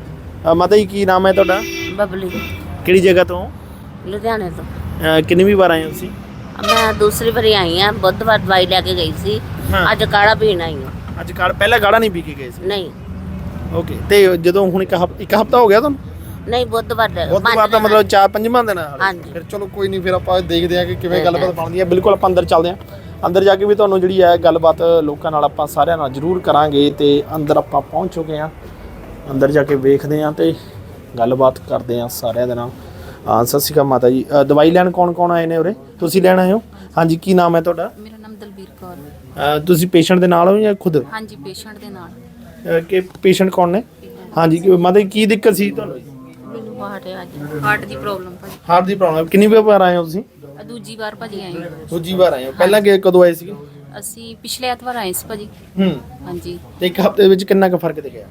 B: ਮਾਤਾ ਜੀ ਕੀ ਨਾਮ ਹੈ ਤੁਹਾਡਾ?
D: ਬਬਲੀ
B: ਕਿਹੜੀ ਜਗ੍ਹਾ ਤੋਂ?
D: ਲੁਧਿਆਣੇ ਤੋਂ।
B: ਅ, ਕਿੰਨੀ ਵਾਰ ਆਏ ਹੋ ਤੁਸੀਂ?
D: ਮੈਂ ਦੂਸਰੀ ਵਾਰੀ ਆਈ ਆ, ਬੁੱਧਵਾਰ ਦਵਾਈ ਲੈ ਕੇ ਗਈ ਸੀ,
B: ਹਾਂ।
D: ਅੱਜ ਕਾੜਾ ਪੀਣ ਆਈ ਹਾਂ।
B: ਅੱਜ ਕਾੜ ਪਹਿਲਾਂ ਗਾੜਾ ਨਹੀਂ ਪੀ ਕੇ ਗਏ ਸੀ?
D: ਨਹੀਂ
B: ਓਕੇ। ਤੇ ਜਦੋਂ ਹੁਣ ਇੱਕ ਹਫ ਇੱਕ ਹਫਤਾ ਹੋ ਗਿਆ ਤੁਹਾਨੂੰ?
D: ਨਹੀਂ ਬੁੱਧਵਾਰ ਦਾ
B: ਬੁੱਧਵਾਰ ਦਾ ਮਤਲਬ ਚਾਰ ਪੰਜਵਾਂ ਦਿਨ ਆ?
D: ਹਾਂਜੀ।
B: ਫਿਰ ਚਲੋ ਕੋਈ ਨਹੀਂ, ਫਿਰ ਆਪਾਂ ਦੇਖਦੇ ਹਾਂ ਕਿ ਕਿਵੇਂ ਗੱਲਬਾਤ ਬਣਦੀ ਹੈ। ਬਿਲਕੁਲ, ਆਪਾਂ ਅੰਦਰ ਚੱਲਦੇ ਹਾਂ। ਅੰਦਰ ਜਾ ਕੇ ਵੀ ਤੁਹਾਨੂੰ ਜਿਹੜੀ ਹੈ ਗੱਲਬਾਤ ਲੋਕਾਂ ਨਾਲ ਆਪਾਂ ਸਾਰਿਆਂ ਨਾਲ ਜ਼ਰੂਰ ਕਰਾਂਗੇ। ਤੇ ਅੰਦਰ ਆਪਾਂ ਪਹੁੰਚ ਚੁੱਕੇ ਹਾਂ, ਅੰਦਰ ਜਾ ਕੇ ਵੇਖਦੇ ਹਾਂ ਤੇ ਗੱਲਬਾਤ ਕਰਦੇ ਹਾਂ ਸਾਰਿਆਂ ਦੇ ਨਾਲ। ਹਾਂ, ਸਤਿ ਸ਼੍ਰੀ ਅਕਾਲ ਮਾਤਾ ਜੀ। ਅ, ਦਵਾਈ ਲੈਣ ਕੌਣ ਕੌਣ ਆਏ ਨੇ ਉਰੇ? ਤੁਸੀਂ ਲੈਣ ਆਏ ਹੋ? ਹਾਂਜੀ, ਕੀ ਨਾਮ ਹੈ ਤੁਹਾਡਾ?
F: ਮੇਰਾ ਨਾਮ ਦਲਬੀਰ ਕੌਰ।
B: ਅ, ਤੁਸੀਂ ਪੇਸ਼ੈਂਟ ਦੇ ਨਾਲ ਹੋ ਜਾਂ ਖੁਦ?
F: ਹਾਂਜੀ, ਪੇਸ਼ੈਂਟ ਦੇ ਨਾਲ।
B: ਅ, ਕਿ ਪੇਸ਼ੈਂਟ ਕੌਣ ਨੇ? ਹਾਂਜੀ, ਕਿ ਮਾਤਾ ਜੀ ਕੀ ਦਿੱਕਤ ਸੀ ਤੁਹਾਨੂੰ?
F: ਮੈਨੂੰ ਹਾਰਟ ਹੈ, ਅੱਜ ਹਾਰਟ ਦੀ ਪ੍ਰੋਬਲਮ ਭਾਜੀ।
B: ਹਾਰਟ ਦੀ ਪ੍ਰੋਬਲਮ ਕਿੰਨੀ ਵਾਰ ਆਏ ਹੋ ਤੁਸੀਂ?
F: ਆਹ ਦੂਜੀ ਵਾਰ ਭਾਜੀ ਆਏ ਹਾਂ।
B: ਦੂਜੀ ਵਾਰ ਆਏ ਹੋ। ਪਹਿਲਾਂ ਕਿ ਕਦੋਂ ਆਏ ਸੀਗੇ?
F: ਅਸੀਂ ਪਿਛਲੇ ਐਤਵਾਰ ਆਏ ਸੀ ਭਾਜੀ।
B: ਹੂੰ।
F: ਹਾਂਜੀ।
B: ਤੇ ਇੱਕ ਹਫ਼ਤੇ ਵਿੱਚ ਕਿੰਨਾ ਕੁ ਫਰਕ ਦਿਖਿਆ?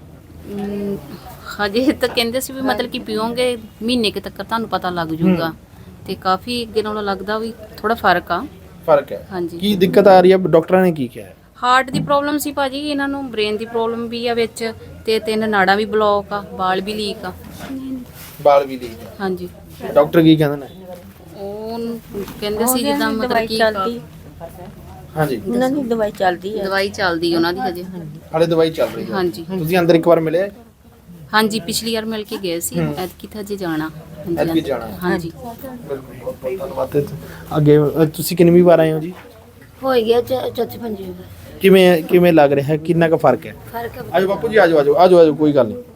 F: ਅਮ, ਹਜੇ ਤਾਂ ਕਹਿੰਦੇ ਸੀ ਵੀ ਮਤਲਬ ਕਿ ਪੀਓਗੇ ਮਹੀਨੇ ਕੁ ਤੱਕ ਤੁਹਾਨੂੰ ਪਤਾ ਲੱਗ ਜਾਊਗਾ, ਤੇ ਕਾਫੀ ਅੱਗੇ ਨਾਲੋਂ ਲੱਗਦਾ ਵੀ ਥੋੜਾ ਫਰਕ ਆ।
B: ਫਰਕ ਹੈ?
F: ਹਾਂਜੀ।
B: ਕੀ ਦਿੱਕਤ ਆ ਰਹੀ ਹੈ? ਡਾਕਟਰਾਂ ਨੇ ਕੀ ਕਿਹਾ?
F: ਹਾਰਟ ਦੀ ਪ੍ਰੋਬਲਮ ਸੀ ਭਾਜੀ, ਇਹਨਾਂ ਨੂੰ ਬ੍ਰੇਨ ਦੀ ਪ੍ਰੋਬਲਮ ਵੀ ਆ ਵਿੱਚ, ਤੇ ਤਿੰਨ ਨਾੜਾਂ ਵੀ ਬਲੌਕ ਆ, ਵਾਲ ਵੀ ਲੀਕ ਆ।
B: ਬਾਲ ਵੀ ਲੀਕ ਹੈ?
F: ਹਾਂਜੀ।
B: ਡਾਕਟਰ ਕੀ ਕਹਿੰਦੇ ਨੇ?
F: ਉਹ ਕਹਿੰਦੇ ਸੀ ਜਿੱਦਾਂ ਮਤਲਬ ਕਿ
B: ਹਾਂਜੀ,
D: ਉਹਨਾਂ ਦੀ ਦਵਾਈ ਚੱਲਦੀ ਹੈ।
F: ਦਵਾਈ ਚੱਲਦੀ ਉਹਨਾਂ ਦੀ ਹਜੇ।
B: ਹਾਲੇ ਦਵਾਈ ਚੱਲ ਰਹੀ ਹੈ?
F: ਹਾਂਜੀ।
B: ਤੁਸੀਂ ਅੰਦਰ ਇੱਕ ਵਾਰ ਮਿਲੇ?
F: ਹਾਂਜੀ, ਪਿਛਲੀ ਵਾਰ ਮਿਲ ਕੇ ਗਏ ਸੀ, ਐਤਕੀ ਤਾਂ ਹਜੇ ਜਾਣਾ। ਹਾਂਜੀ,
B: ਐਤਕੀ ਜਾਣਾ ਹੈ?
F: ਹਾਂਜੀ।
B: ਬਿਲਕੁਲ, ਬਹੁਤ ਧੰਨਵਾਦ। ਤੇ ਅੱਗੇ ਅ, ਤੁਸੀਂ ਕਿੰਨਵੀਂ ਵਾਰ ਆਏ ਹੋ ਜੀ?
D: ਹੋ ਗਿਆ ਚੌਥੀ ਪੰਜਵੀਂ ਵਾਰ।
B: ਕਿਵੇਂ ਕਿਵੇਂ ਲੱਗ ਰਿਹਾ ਹੈ? ਕਿੰਨਾ ਕੁ ਫਰਕ ਹੈ?
D: ਫਰਕ ਹੈ,
B: ਆਜੋ ਬਾਪੂ ਜੀ, ਆਜੋ ਆਜੋ ਆਜੋ ਆਜੋ, ਕੋਈ ਗੱਲ ਨਹੀਂ।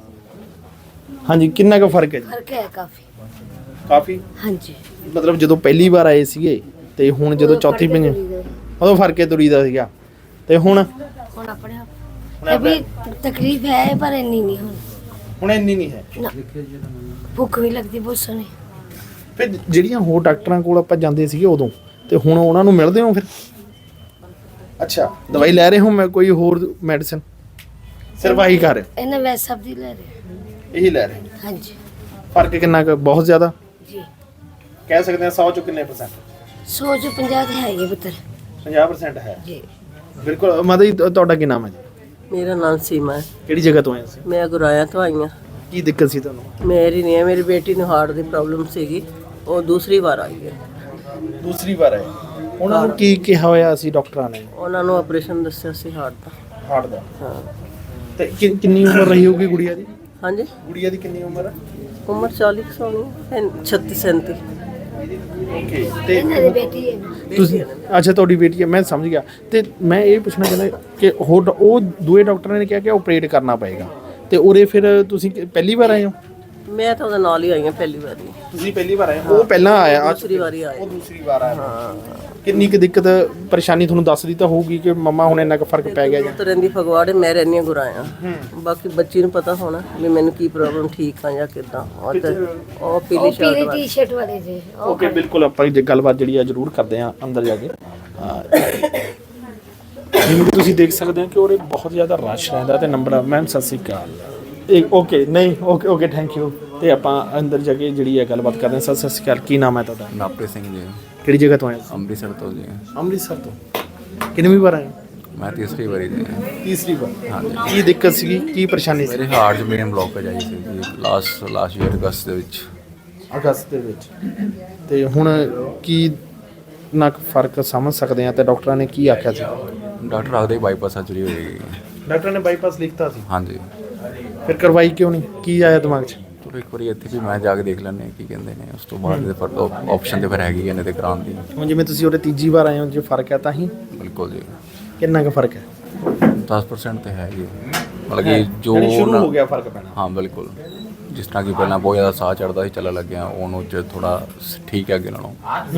B: ਹਾਂਜੀ, ਕਿੰਨਾ ਕੁ ਫਰਕ ਹੈ ਜੀ?
D: ਫਰਕ ਹੈ ਕਾਫੀ।
B: ਕਾਫੀ?
D: ਹਾਂਜੀ।
B: ਮਤਲਬ ਜਦੋਂ ਪਹਿਲੀ ਵਾਰ ਆਏ ਸੀਗੇ ਤੇ ਹੁਣ ਜਦੋਂ ਚੌਥੀ ਪੰਜਵੀਂ, ਉਦੋਂ ਫਰਕ ਹੈ ਤੁਰੀ ਦਾ ਸੀਗਾ, ਤੇ ਹੁਣ?
D: ਹੁਣ ਆਪਣੇ ਆਪ ਇਹ ਵੀ ਤਕਲੀਫ ਹੈ ਪਰ ਇੰਨੀ ਨਹੀਂ ਹੁਣ।
B: ਹੁਣ ਇੰਨੀ ਨਹੀਂ ਹੈ?
D: ਨਾ। ਭੁੱਖ ਵੀ ਲੱਗਦੀ ਬਹੁਤ ਸੋਹਣੀ।
B: ਫਿਰ ਜਿਹੜੀਆਂ ਹੋਰ ਡਾਕਟਰਾਂ ਕੋਲ ਆਪਾਂ ਜਾਂਦੇ ਸੀਗੇ ਉਦੋਂ, ਤੇ ਹੁਣ ਉਹਨਾਂ ਨੂੰ ਮਿਲਦੇ ਹੋ ਫਿਰ? ਅੱਛਾ, ਦਵਾਈ ਲੈ ਰਹੇ ਹੋ? ਮੈਂ ਕੋਈ ਹੋਰ ਮੈਡੀਸਨ ਸਿਰਫ ਆਹੀ ਕਰ ਰਹੇ?
D: ਇਹਨਾਂ ਵੈਸੇ ਸਭ ਦੀ ਲੈ ਰਹੇ
B: ਇਹੀ ਲੈ ਰਹੇ?
D: ਹਾਂਜੀ
B: ਫਰਕ ਕਿੰਨਾ ਕੁ? ਬਹੁਤ ਜ਼ਿਆਦਾ
D: ਜੀ।
B: ਕਹਿ ਸਕਦੇ ਹਾਂ ਸੌ ਚੋਂ ਕਿੰਨੇ ਪਰਸੈਂਟ?
D: ਸੌ ਚੋਂ ਪੰਜਾਹ ਤੇ ਹੈ ਹੀ ਹੈ ਪੁੱਤਰ
B: ਪੰਜਾਹ ਪਰਸੈਂਟ ਹੈ
D: ਜੀ।
B: ਬਿਲਕੁਲ। ਮਾਤਾ ਜੀ ਤੁ- ਤੁਹਾਡਾ ਕੀ ਨਾਮ ਹੈ ਜੀ?
J: ਮੇਰਾ ਨਾਮ ਸੀਮਾ ਹੈ।
B: ਕਿਹੜੀ ਜਗ੍ਹਾ ਤੋਂ ਆਏ ਸੀ?
J: ਮੈਂ ਗੁਰਾਇਆ ਤੋਂ ਆਈ ਹਾਂ।
B: ਕੀ ਦਿੱਕਤ ਸੀ ਤੁਹਾਨੂੰ?
J: ਮੇਰੀ ਨਹੀਂ ਹੈ, ਮੇਰੀ ਬੇਟੀ ਨੂੰ ਹਾਰਟ ਦੀ ਪ੍ਰੋਬਲਮ ਸੀਗੀ, ਉਹ ਦੂਸਰੀ ਵਾਰ ਆਈ ਹੈ।
B: ਦੂਸਰੀ ਵਾਰ ਆਏ? ਉਹਨਾਂ ਨੂੰ ਕੀ ਕਿਹਾ ਹੋਇਆ ਸੀ ਡਾਕਟਰਾਂ ਨੇ?
J: ਉਹਨਾਂ ਨੂੰ ਆਪਰੇਸ਼ਨ ਦੱਸਿਆ ਸੀ ਹਾਰਟ ਦਾ।
B: ਹਾਰਟ ਦਾ?
J: ਹਾਂ।
B: ਤੇ ਕਿ- ਕਿੰਨੀ ਉਮਰ ਰਹੀ ਹੋਊਗੀ ਗੁੜੀਆ ਦੀ?
J: ਹਾਂਜੀ,
B: ਗੁੜੀਆ ਦੀ ਕਿੰਨੀ ਉਮਰ ਹੈ?
J: ਉਮਰ ਚਾਲੀ ਕੁ ਸਾਲ ਹੈ, ਛੱਤੀ ਸੈਂਤੀ।
B: ਓਕੇ। ਤੇ
D: ਇਹਨਾਂ ਦੀ ਬੇਟੀ ਹੈ
B: ਤੁਸੀਂ, ਅੱਛਾ ਤੁਹਾਡੀ ਬੇਟੀ ਹੈ, ਮੈਂ ਸਮਝ ਗਿਆ। ਤੇ ਮੈਂ ਇਹ ਪੁੱਛਣਾ ਚਾਹੁੰਦਾ ਕਿ ਹੋਰ ਉਹ ਦੂਏ ਡਾਕਟਰਾਂ ਨੇ ਕਿਹਾ ਕਿ ਆਪਰੇਟ ਕਰਨਾ ਪਏਗਾ, ਤੇ ਉਰੇ ਫਿਰ ਤੁਸੀਂ ਕਿ- ਪਹਿਲੀ ਵਾਰ ਆਏ ਹੋ?
J: ਮੈਂ ਤਾਂ ਉਹਦੇ ਨਾਲ ਹੀ ਆਈ ਹਾਂ ਪਹਿਲੀ ਵਾਰੀ।
B: ਤੁਸੀਂ ਪਹਿਲੀ ਵਾਰ ਆਏ? ਉਹ ਪਹਿਲਾਂ ਆਇਆ?
J: ਦੂਸਰੀ ਵਾਰੀ ਆਏ।
B: ਉਹ ਦੂਸਰੀ ਵਾਰ ਆਇਆ। ਕਿੰਨੀ ਕੁ ਦਿੱਕਤ ਪਰੇਸ਼ਾਨੀ ਤੁਹਾਨੂੰ ਦੱਸਦੀ ਤਾਂ ਹੋਊਗੀ ਕਿ ਮੰਮਾ ਹੁਣ ਇੰਨਾ ਕੁ ਫਰਕ ਪੈ ਗਿਆ ਜਾਂ?
J: ਤਾਂ ਰਹਿੰਦੀ ਫਗਵਾੜੇ, ਮੈਂ ਰਹਿੰਦੀ ਹਾਂ ਗੁਰਾਇਆ। ਬਾਕੀ ਬੱਚੀ ਨੂੰ ਪਤਾ ਹੋਣਾ ਵੀ ਮੈਨੂੰ ਕੀ ਪ੍ਰੋਬਲਮ, ਠੀਕ ਆ ਜਾਂ ਕਿੱਦਾਂ। ਉਹ ਤੇ ਉਹ ਪੀਲੀ
D: ਉਹ
J: ਸ਼ਰਟ
D: ਪੀਲੀ
J: ਵਾਲੀ।
D: ਟੀ-ਸ਼ਰਟ ਵਾਲੇ ਜੀ ਉਹ
B: ਓਕੇ, ਬਿਲਕੁਲ। ਆਪਾਂ ਜੇ ਗੱਲਬਾਤ ਜਿਹੜੀ ਆ ਜ਼ਰੂਰ ਕਰਦੇ ਆ ਅੰਦਰ ਜਾ ਕੇ। ਜਿਵੇਂ ਕਿ ਤੁਸੀਂ ਦੇਖ ਸਕਦੇ ਹੋ ਕਿ ਉਹਦੇ ਬਹੁਤ ਜ਼ਿਆਦਾ ਰਸ਼ ਰਹਿੰਦਾ ਤੇ ਨੰਬਰ। ਮੈਮ ਸਤਿ ਸ਼੍ਰੀ ਅਕਾਲ। ਇਹ ਓਕੇ, ਨਹੀਂ ਓਕੇ ਓਕੇ, ਥੈਂਕ ਯੂ। ਤੇ ਆਪਾਂ ਅੰਦਰ ਜਾ ਕੇ ਜਿਹੜੀ ਹੈ ਗੱਲਬਾਤ ਕਰਦੇ ਹਾਂ। ਸਰ ਸਤਿ ਸ਼੍ਰੀ ਅਕਾਲ, ਕੀ ਨਾਮ ਹੈ ਤੁਹਾਡਾ?
K: ਨਾਪੇ ਸਿੰਘ ਜੀ,
B: ਕਿਹੜੀ ਜਗ੍ਹਾ ਤੋਂ ਆਏ?
K: ਅੰਮ੍ਰਿਤਸਰ ਤੋਂ ਜੀ।
B: ਅੰਮ੍ਰਿਤਸਰ ਤੋਂ। ਕਿੰਨੀ ਵਾਰ ਆਏ?
K: ਮੈਂ ਤੀਸਰੀ ਵਾਰੀ ਜੀ।
B: ਤੀਸਰੀ ਵਾਰ।
K: ਹਾਂਜੀ।
B: ਕੀ ਦਿੱਕਤ ਸੀਗੀ, ਕੀ ਪਰੇਸ਼ਾਨੀ ਸੀ?
K: ਮੇਰੇ ਹਾਰਟ 'ਚ ਮੇਨ ਬਲੌਕੇਜ ਆਈ ਸੀ ਜੀ ਲਾਸਟ ਲਾਸਟ ਈਅਰ ਅਗਸਤ ਦੇ ਵਿੱਚ।
B: ਅਗਸਤ ਦੇ ਵਿੱਚ। ਤੇ ਹੁਣ ਕੀ ਨਾ ਫਰਕ ਸਮਝ ਸਕਦੇ ਆ? ਤੇ ਡਾਕਟਰਾਂ ਨੇ ਕੀ ਆਖਿਆ ਸੀ?
K: ਡਾਕਟਰ ਆਖਦੇ ਬਾਈਪਾਸ ਸਰਜਰੀ ਹੋਏਗੀ।
B: ਡਾਕਟਰ ਨੇ ਬਾਈਪਾਸ ਲਿਖਤਾ ਸੀ?
K: ਹਾਂਜੀ।
B: ਫਿਰ ਕਰਵਾਈ ਕਿਉਂ ਨਹੀਂ? ਕੀ ਆਇਆ ਦਿਮਾਗ 'ਚ?
K: ਚਲੋ ਇੱਕ ਵਾਰੀ ਇੱਥੇ ਵੀ ਮੈਂ ਜਾ ਕੇ ਦੇਖ ਲੈਂਦੇ ਕੀ ਕਹਿੰਦੇ ਨੇ, ਉਸ ਤੋਂ ਬਾਅਦ ਦੇ ਫਿਰ ਆਪਸ਼ਨ ਤੇ ਫਿਰ ਹੈਗੀ ਨੇ ਤੇ ਕਰਾਉਣ ਦੀ।
B: ਹੁਣ ਜਿਵੇਂ ਤੁਸੀਂ ਉਹਦੇ ਤੀਜੀ ਵਾਰ ਆਏ ਹੋ, ਜੇ ਫਰਕ ਹੈ ਤਾਂ ਹੀ?
K: ਬਿਲਕੁਲ ਜੀ।
B: ਕਿੰਨਾ ਕੁ ਫਰਕ ਹੈ?
K: ਦਸ ਪਰਸੈਂਟ ਤੇ ਹੈ ਜੀ। ਮਤਲਬ ਕਿ ਜੋ
B: ਯਾਨੀ ਸ਼ੁਰੂ
K: ਉਹਨਾਂ-
B: ਹੋ ਗਿਆ ਫਰਕ ਪੈਣਾ?
K: ਹਾਂ ਬਿਲਕੁਲ। ਜਿਸ ਤਰ੍ਹਾਂ ਕਿ ਪਹਿਲਾਂ ਬਹੁਤ ਜ਼ਿਆਦਾ ਸਾਹ ਚੜ੍ਹਦਾ ਸੀ, ਚੱਲਣ ਲੱਗਿਆ, ਉਹਨੂੰ ਚ ਥੋੜਾ ਠੀਕ ਹੈ ਅੱਗੇ ਨਾਲੋਂ।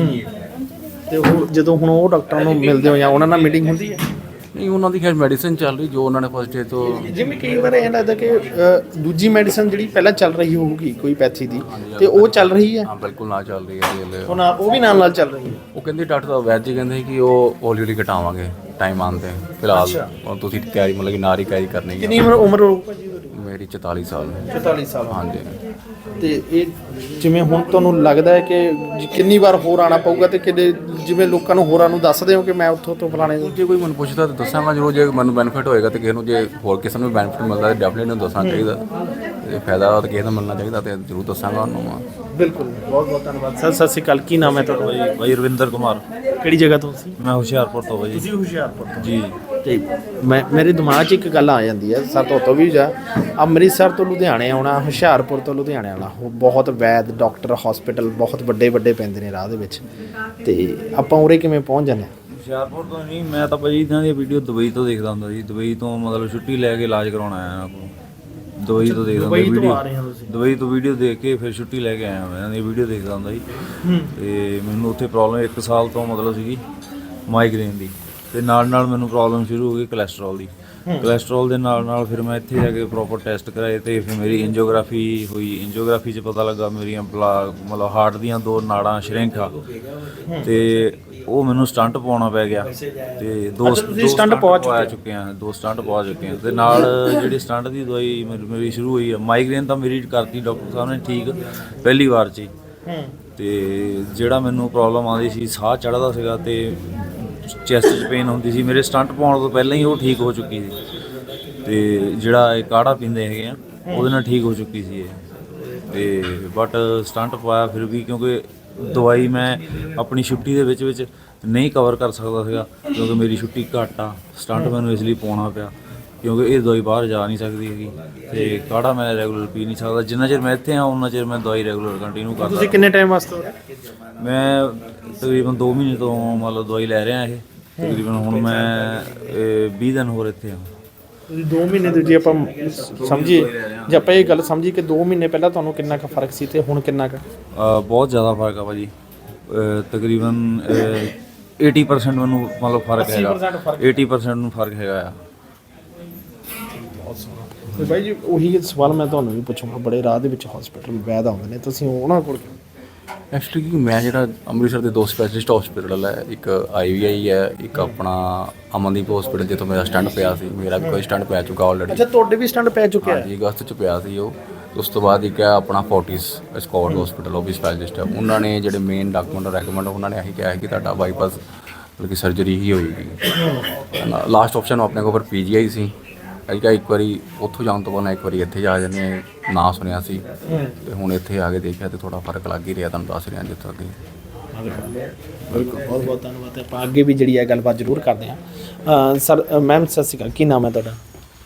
B: ਤੇ ਉਹ ਜਦੋਂ ਹੁਣ ਉਹ ਡਾਕਟਰਾਂ ਨੂੰ ਮਿਲਦੇ ਹੋ ਜਾਂ ਉਹਨਾਂ ਨਾਲ ਮੀਟਿੰਗ ਹੁੰਦੀ ਹੈ?
K: ਨਹੀਂ, ਉਹਨਾਂ ਦੀ ਖੈਰ ਮੈਡੀਸਿਨ ਚੱਲ ਰਹੀ ਜੋ ਉਹਨਾਂ ਨੇ ਫਸਟ ਡੇ ਤੋਂ।
B: ਜਿਵੇਂ ਕਈ ਵਾਰ ਇਹ ਲੱਗਦਾ ਕਿ ਅ, ਦੂਜੀ ਮੈਡੀਸਨ ਜਿਹੜੀ ਪਹਿਲਾਂ ਚੱਲ ਰਹੀ ਹੋਊਗੀ ਕੋਈ ਪੈਥੀ ਦੀ, ਤੇ ਉਹ ਚੱਲ ਰਹੀ ਹੈ?
K: ਹਾਂ ਬਿਲਕੁਲ ਨਾ ਚੱਲ ਰਹੀ ਹੈ ਜੀ।
B: ਉਹ ਨਾ ਉਹ ਵੀ ਨਾਲ ਨਾਲ ਚੱਲ ਰਹੀ ਹੈ?
K: ਉਹ ਕਹਿੰਦੇ ਡਾਕਟਰ ਸਾਹਿਬ ਵੈਦ ਜੀ ਕਹਿੰਦੇ ਕਿ ਉਹ ਹੌਲੀ ਹੌਲੀ ਘਟਾਵਾਂਗੇ ਟਾਈਮ ਆਉਣ 'ਤੇ। ਫਿਲਹਾਲ ਹੁਣ ਤੁਸੀਂ ਤਿਆਰੀ ਮਤਲਬ ਕਿ ਨਾਰੀ ਕੈਰੀ ਕਰਨੀ ਹੈ।
B: ਕਿੰਨੀ ਉਮਰ ਉਮਰ ਹੋਊ ਭਾਜੀ ਉਹਦੀ?
K: ਮੇਰੀ ਚੁਤਾਲੀ ਸਾਲ।
B: ਚੁਤਾਲੀ ਸਾਲ।
K: ਹਾਂਜੀ।
B: ਤੇ ਇਹ ਜਿਵੇਂ ਹੁਣ ਤੁਹਾਨੂੰ ਲੱਗਦਾ ਹੈ ਕਿ ਜ- ਕਿੰਨੀ ਵਾਰ ਹੋਰ ਆਉਣਾ ਪਊਗਾ, ਤੇ ਕਿੰਨੇ ਜਿਵੇਂ ਲੋਕਾਂ ਨੂੰ ਹੋਰਾਂ ਨੂੰ ਦੱਸਦੇ ਹੋ ਕਿ ਮੈਂ ਉੱਥੋਂ ਤੋਂ ਫਲਾਣੇ ਤੋਂ?
K: ਜੇ ਕੋਈ ਮੈਨੂੰ ਪੁੱਛਦਾ ਤਾਂ ਦੱਸਾਂਗਾ ਜ਼ਰੂਰ। ਜੇ ਮੈਨੂੰ ਬੈਨੀਫਿਟ ਹੋਏਗਾ ਤੇ ਕਿਸੇ ਨੂੰ, ਜੇ ਹੋਰ ਕਿਸੇ ਨੂੰ ਵੀ ਬੈਨੀਫਿਟ ਮਿਲਦਾ ਤਾਂ ਡੈਫੀਨੇਟਲੀ ਨੂੰ ਦੱਸਣਾ ਚਾਹੀਦਾ। ਜੇ ਫਾਇਦਾ ਤਾਂ ਕਿਸੇ ਨੂੰ ਮਿਲਣਾ ਚਾਹੀਦਾ ਤੇ ਜ਼ਰੂਰ ਦੱਸਾਂਗਾ ਉਹਨੂੰ।
B: ਬਿਲਕੁਲ, ਬਹੁਤ ਬਹੁਤ ਧੰਨਵਾਦ ਸਰ। ਸਤਿ ਸ਼੍ਰੀ ਅਕਾਲ, ਕੀ ਨਾਮ ਹੈ ਤੁਹਾਡਾ?
L: ਭਾਈ ਭਾਈ ਰਵਿੰਦਰ ਕੁਮਾਰ।
B: ਕਿਹੜੀ ਜਗ੍ਹਾ ਤੋਂ ਸੀ?
L: ਮੈਂ ਹੁਸ਼ਿਆਰਪੁਰ ਤੋਂ ਭਾਈ।
B: ਤੁਸੀਂ ਹੁਸ਼ਿਆਰਪੁਰ ਤੋਂ?
L: ਜੀ।
B: ਤੇ ਮੈਂ ਮੇਰੇ ਦਿਮਾਗ 'ਚ ਇੱਕ ਗੱਲ ਆ ਜਾਂਦੀ ਹੈ, ਸਰ ਤੋਂ ਤੋਂ ਵੀ ਜਾ ਅੰਮ੍ਰਿਤਸਰ ਤੋਂ ਲੁਧਿਆਣੇ ਆਉਣਾ, ਹੁਸ਼ਿਆਰਪੁਰ ਤੋਂ ਲੁਧਿਆਣੇ ਆਉਣਾ, ਉਹ ਬਹੁਤ ਵੈਦ ਡਾਕਟਰ ਹਸਪੀਟਲ ਬਹੁਤ ਵੱਡੇ ਵੱਡੇ ਪੈਂਦੇ ਨੇ ਰਾਹ ਦੇ ਵਿੱਚ, ਤੇ ਆਪਾਂ ਉਰੇ ਕਿਵੇਂ ਪਹੁੰਚ ਜਾਂਦੇ ਹਾਂ?
L: ਹੁਸ਼ਿਆਰਪੁਰ ਤੋਂ ਨਹੀਂ, ਮੈਂ ਤਾਂ ਭਾਈ ਇਹਨਾਂ ਦੀ ਵੀਡੀਓ ਦੁਬਈ ਤੋਂ ਦੇਖਦਾ ਹੁੰਦਾ ਜੀ। ਦੁਬਈ ਤੋਂ ਮਤਲਬ ਛੁੱਟੀ ਲੈ ਕੇ ਇਲਾਜ ਕਰਾਉਣ ਆਇਆ ਇਹਨਾਂ ਕੋਲ। ਦੁਬਈ ਤੋਂ ਦੇਖਦਾ ਹੁੰਦਾ ਵੀਡੀਓ। ਦੁਬਈ ਤੋਂ ਵੀਡੀਓ ਦੇਖ ਕੇ ਫਿਰ ਛੁੱਟੀ ਲੈ ਕੇ ਆਇਆ ਮੈਂ। ਇਹਨਾਂ ਦੀ ਵੀਡੀਓ ਦੇਖਦਾ ਹੁੰਦਾ ਜੀ। ਤੇ ਮੈਨੂੰ ਉੱਥੇ ਪ੍ਰੋਬਲਮ ਇੱਕ ਸਾਲ ਤੋਂ ਮਤਲਬ ਸੀਗੀ ਮਾਈਗ੍ਰੇਨ ਦੀ, ਤੇ ਨਾਲ ਨਾਲ ਮੈਨੂੰ ਪ੍ਰੋਬਲਮ ਸ਼ੁਰੂ ਹੋ ਗਈ ਕੋਲੇਸਟ੍ਰੋਲ ਦੀ। ਕੋਲੇਸਟ੍ਰੋਲ ਦੇ ਨਾਲ ਨਾਲ ਫਿਰ ਮੈਂ ਇੱਥੇ ਜਾ ਕੇ ਪ੍ਰੋਪਰ ਟੈਸਟ ਕਰਾਏ, ਤੇ ਫਿਰ ਮੇਰੀ ਐਂਜੀਓਗ੍ਰਾਫੀ ਹੋਈ। ਐਂਜੀਓਗ੍ਰਾਫੀ 'ਚ ਪਤਾ ਲੱਗਾ ਮੇਰੀਆਂ ਬਲਾ ਮਤਲਬ ਹਾਰਟ ਦੀਆਂ ਦੋ ਨਾੜਾਂ ਸ਼ਰਿੰਕ ਆ, ਤੇ ਉਹ ਮੈਨੂੰ ਸਟੰਟ ਪਾਉਣਾ ਪੈ ਗਿਆ। ਤੇ ਦੋ ਦੋ ਸਟੰਟ ਪਵਾ ਚੁੱਕੇ ਆ ਦੋ ਸਟੰਟ ਪਵਾ ਚੁੱਕੇ ਆ ਤੇ ਨਾਲ ਜਿਹੜੀ ਸਟੰਟ ਦੀ ਦਵਾਈ ਮੇਰੀ ਮੇਰੀ ਸ਼ੁਰੂ ਹੋਈ ਆ। ਮਾਈਗ੍ਰੇਨ ਤਾਂ ਮੇਰੀ ਕਰਤੀ ਡਾਕਟਰ ਸਾਹਿਬ ਨੇ ਠੀਕ ਪਹਿਲੀ ਵਾਰ 'ਚ ਹੀ। ਤੇ ਜਿਹੜਾ ਮੈਨੂੰ ਪ੍ਰੋਬਲਮ ਆਉਂਦੀ ਸੀ, ਸਾਹ ਚੜ੍ਹਦਾ ਸੀਗਾ ਤੇ ਚੈਸਟ 'ਚ ਪੇਨ ਹੁੰਦੀ ਸੀ, ਮੇਰੇ ਸਟੰਟ ਪਾਉਣ ਤੋਂ ਪਹਿਲਾਂ ਹੀ ਉਹ ਠੀਕ ਹੋ ਚੁੱਕੀ ਸੀ। ਤੇ ਜਿਹੜਾ ਇਹ ਕਾੜਾ ਪੀਂਦੇ ਹੈਗੇ ਆ ਉਹਦੇ ਨਾਲ ਠੀਕ ਹੋ ਚੁੱਕੀ ਸੀ ਇਹ। ਤੇ ਬਟ ਸਟੰਟ ਪਾਇਆ ਫਿਰ ਵੀ, ਕਿਉਂਕਿ ਦਵਾਈ ਮੈਂ ਆਪਣੀ ਛੁੱਟੀ ਦੇ ਵਿੱਚ ਵਿੱਚ ਨਹੀਂ ਕਵਰ ਕਰ ਸਕਦਾ ਸੀਗਾ, ਕਿਉਂਕਿ ਮੇਰੀ ਛੁੱਟੀ ਘੱਟ ਆ। ਸਟੰਟ ਮੈਨੂੰ ਇਸ ਲਈ ਪਾਉਣਾ ਪਿਆ ਕਿਉਂਕਿ ਇਹ ਦਵਾਈ ਬਾਹਰ ਜਾ ਨਹੀਂ ਸਕਦੀ ਹੈਗੀ, ਤੇ ਕਾੜਾ ਮੈਂ ਰੈਗੂਲਰ ਪੀ ਨਹੀਂ ਸਕਦਾ। ਜਿੰਨਾ ਚਿਰ ਮੈਂ ਇੱਥੇ ਆ ਉਹਨਾਂ ਚਿਰ ਮੈਂ ਦਵਾਈ ਰੈਗੂਲਰ ਕੰਟੀਨਿਊ ਕਰਦਾ।
B: ਤੁਸੀਂ ਕਿੰਨੇ ਟਾਈਮ ਵਾਸਤੇ?
L: ਮੈਂ ਤਕਰੀਬਨ ਦੋ ਮਹੀਨੇ ਤੋਂ ਮਤਲਬ ਦਵਾਈ ਲੈ ਰਿਹਾ ਇਹ। ਤਕਰੀਬਨ ਹੁਣ ਮੈਂ ਵੀਹ ਦਿਨ ਹੋਰ ਇੱਥੇ ਆ।
B: ਤੁਸੀਂ ਦੋ ਮਹੀਨੇ ਦੇ ਜੇ ਆਪਾਂ ਸਮਝੀਏ, ਜੇ ਆਪਾਂ ਇਹ ਗੱਲ ਸਮਝੀਏ ਕਿ ਦੋ ਮਹੀਨੇ ਪਹਿਲਾਂ ਤੁਹਾਨੂੰ ਕਿੰਨਾ ਕੁ ਫਰਕ ਸੀ ਤੇ ਹੁਣ ਕਿੰਨਾ ਕੁ?
L: ਬਹੁਤ ਜ਼ਿਆਦਾ ਫਰਕ ਆ ਭਾਜੀ। ਤਕਰੀਬਨ ਅੱਸੀ ਪਰਸੈਂਟ ਮੈਨੂੰ ਮਤਲਬ ਫਰਕ ਹੈਗਾ। ਅੱਸੀ ਪਰਸੈਂਟ ਨੂੰ ਫਰਕ ਹੈਗਾ ਆ।
B: ਤੇ ਬਾਈ ਜੀ ਉਹੀ ਸਵਾਲ ਮੈਂ ਤੁਹਾਨੂੰ ਵੀ ਪੁੱਛੂੰਗਾ, ਬੜੇ ਰਾਹ ਦੇ ਵਿੱਚ ਹਸਪੀਟਲ ਵੈਦ ਆਉਂਦੇ ਨੇ, ਤੁਸੀਂ ਉਹਨਾਂ ਕੋਲ
K: ਐਕਚੁਅਲੀ ਮੈਂ ਜਿਹੜਾ ਅੰਮ੍ਰਿਤਸਰ ਦੇ ਦੋ ਸਪੈਸ਼ਲਿਸਟ ਹਸਪੀਟਲ ਹੈ, ਇੱਕ ਆਈ ਵੀ ਆਈ ਹੈ, ਇੱਕ ਆਪਣਾ ਅਮਨਦੀਪ ਹਸਪੀਟਲ, ਜਿੱਥੋਂ ਮੇਰਾ ਸਟੰਟ ਪਿਆ ਸੀ। ਮੇਰਾ ਵੀ ਕੋਈ ਸਟੰਟ ਪੈ ਚੁੱਕਾ ਆਲਰੇਡੀ।
B: ਅੱਛਾ, ਤੁਹਾਡੇ ਵੀ ਸਟੰਟ ਪੈ ਚੁੱਕਿਆ?
K: ਹਾਂਜੀ, ਅਗਸਤ 'ਚ ਪਿਆ ਸੀ ਉਹ। ਉਸ ਤੋਂ ਬਾਅਦ ਇੱਕ ਹੈ ਆਪਣਾ ਫੋਰਟਿਸ ਸਕਾਟ ਹਸਪੀਟਲ, ਉਹ ਵੀ ਸਪੈਸ਼ਲਿਸਟ ਹੈ। ਉਹਨਾਂ ਨੇ ਜਿਹੜੇ ਮੇਨ ਡਾਕੂਮੈਂਟ ਰੈਕਮੈਂਡ ਉਹਨਾਂ ਨੇ ਇਹੀ ਕਿਹਾ ਹੈ ਕਿ ਤੁਹਾਡਾ ਬਾਈਪਾਸ ਮਤਲਬ ਕਿ ਸਰਜਰੀ ਹੀ ਹੋਏਗੀ। ਲਾਸਟ ਆਪਸ਼ਨ ਆਪਣੇ ਕੋਲ ਫਿਰ ਪੀ ਜੀ ਆਈ ਸੀ। ਅਸੀਂ ਕਿਹਾ ਇੱਕ ਵਾਰੀ ਉੱਥੋਂ ਜਾਣ ਤੋਂ ਪਹਿਲਾਂ ਇੱਕ ਵਾਰੀ ਇੱਥੇ ਜਾ ਜਾਂਦੇ ਹਾਂ, ਨਾਂ ਸੁਣਿਆ ਸੀ ਤੇ ਹੁਣ ਇੱਥੇ ਆ ਕੇ ਦੇਖਿਆ ਤੇ ਥੋੜਾ ਫਰਕ ਲੱਗ ਹੀ ਰਿਹਾ, ਤੁਹਾਨੂੰ ਦੱਸ ਰਿਹਾ ਜਿੱਥੋਂ ਅੱਗੇ।
B: ਬਿਲਕੁਲ, ਬਹੁਤ ਬਹੁਤ ਧੰਨਵਾਦ। ਆਪਾਂ ਅੱਗੇ ਵੀ ਜਿਹੜੀ ਹੈ ਗੱਲਬਾਤ ਜ਼ਰੂਰ ਕਰਦੇ ਹਾਂ। ਸਰ, ਮੈਮ ਸਤਿ ਸ਼੍ਰੀ ਅਕਾਲ, ਕੀ ਨਾਮ ਹੈ ਤੁਹਾਡਾ?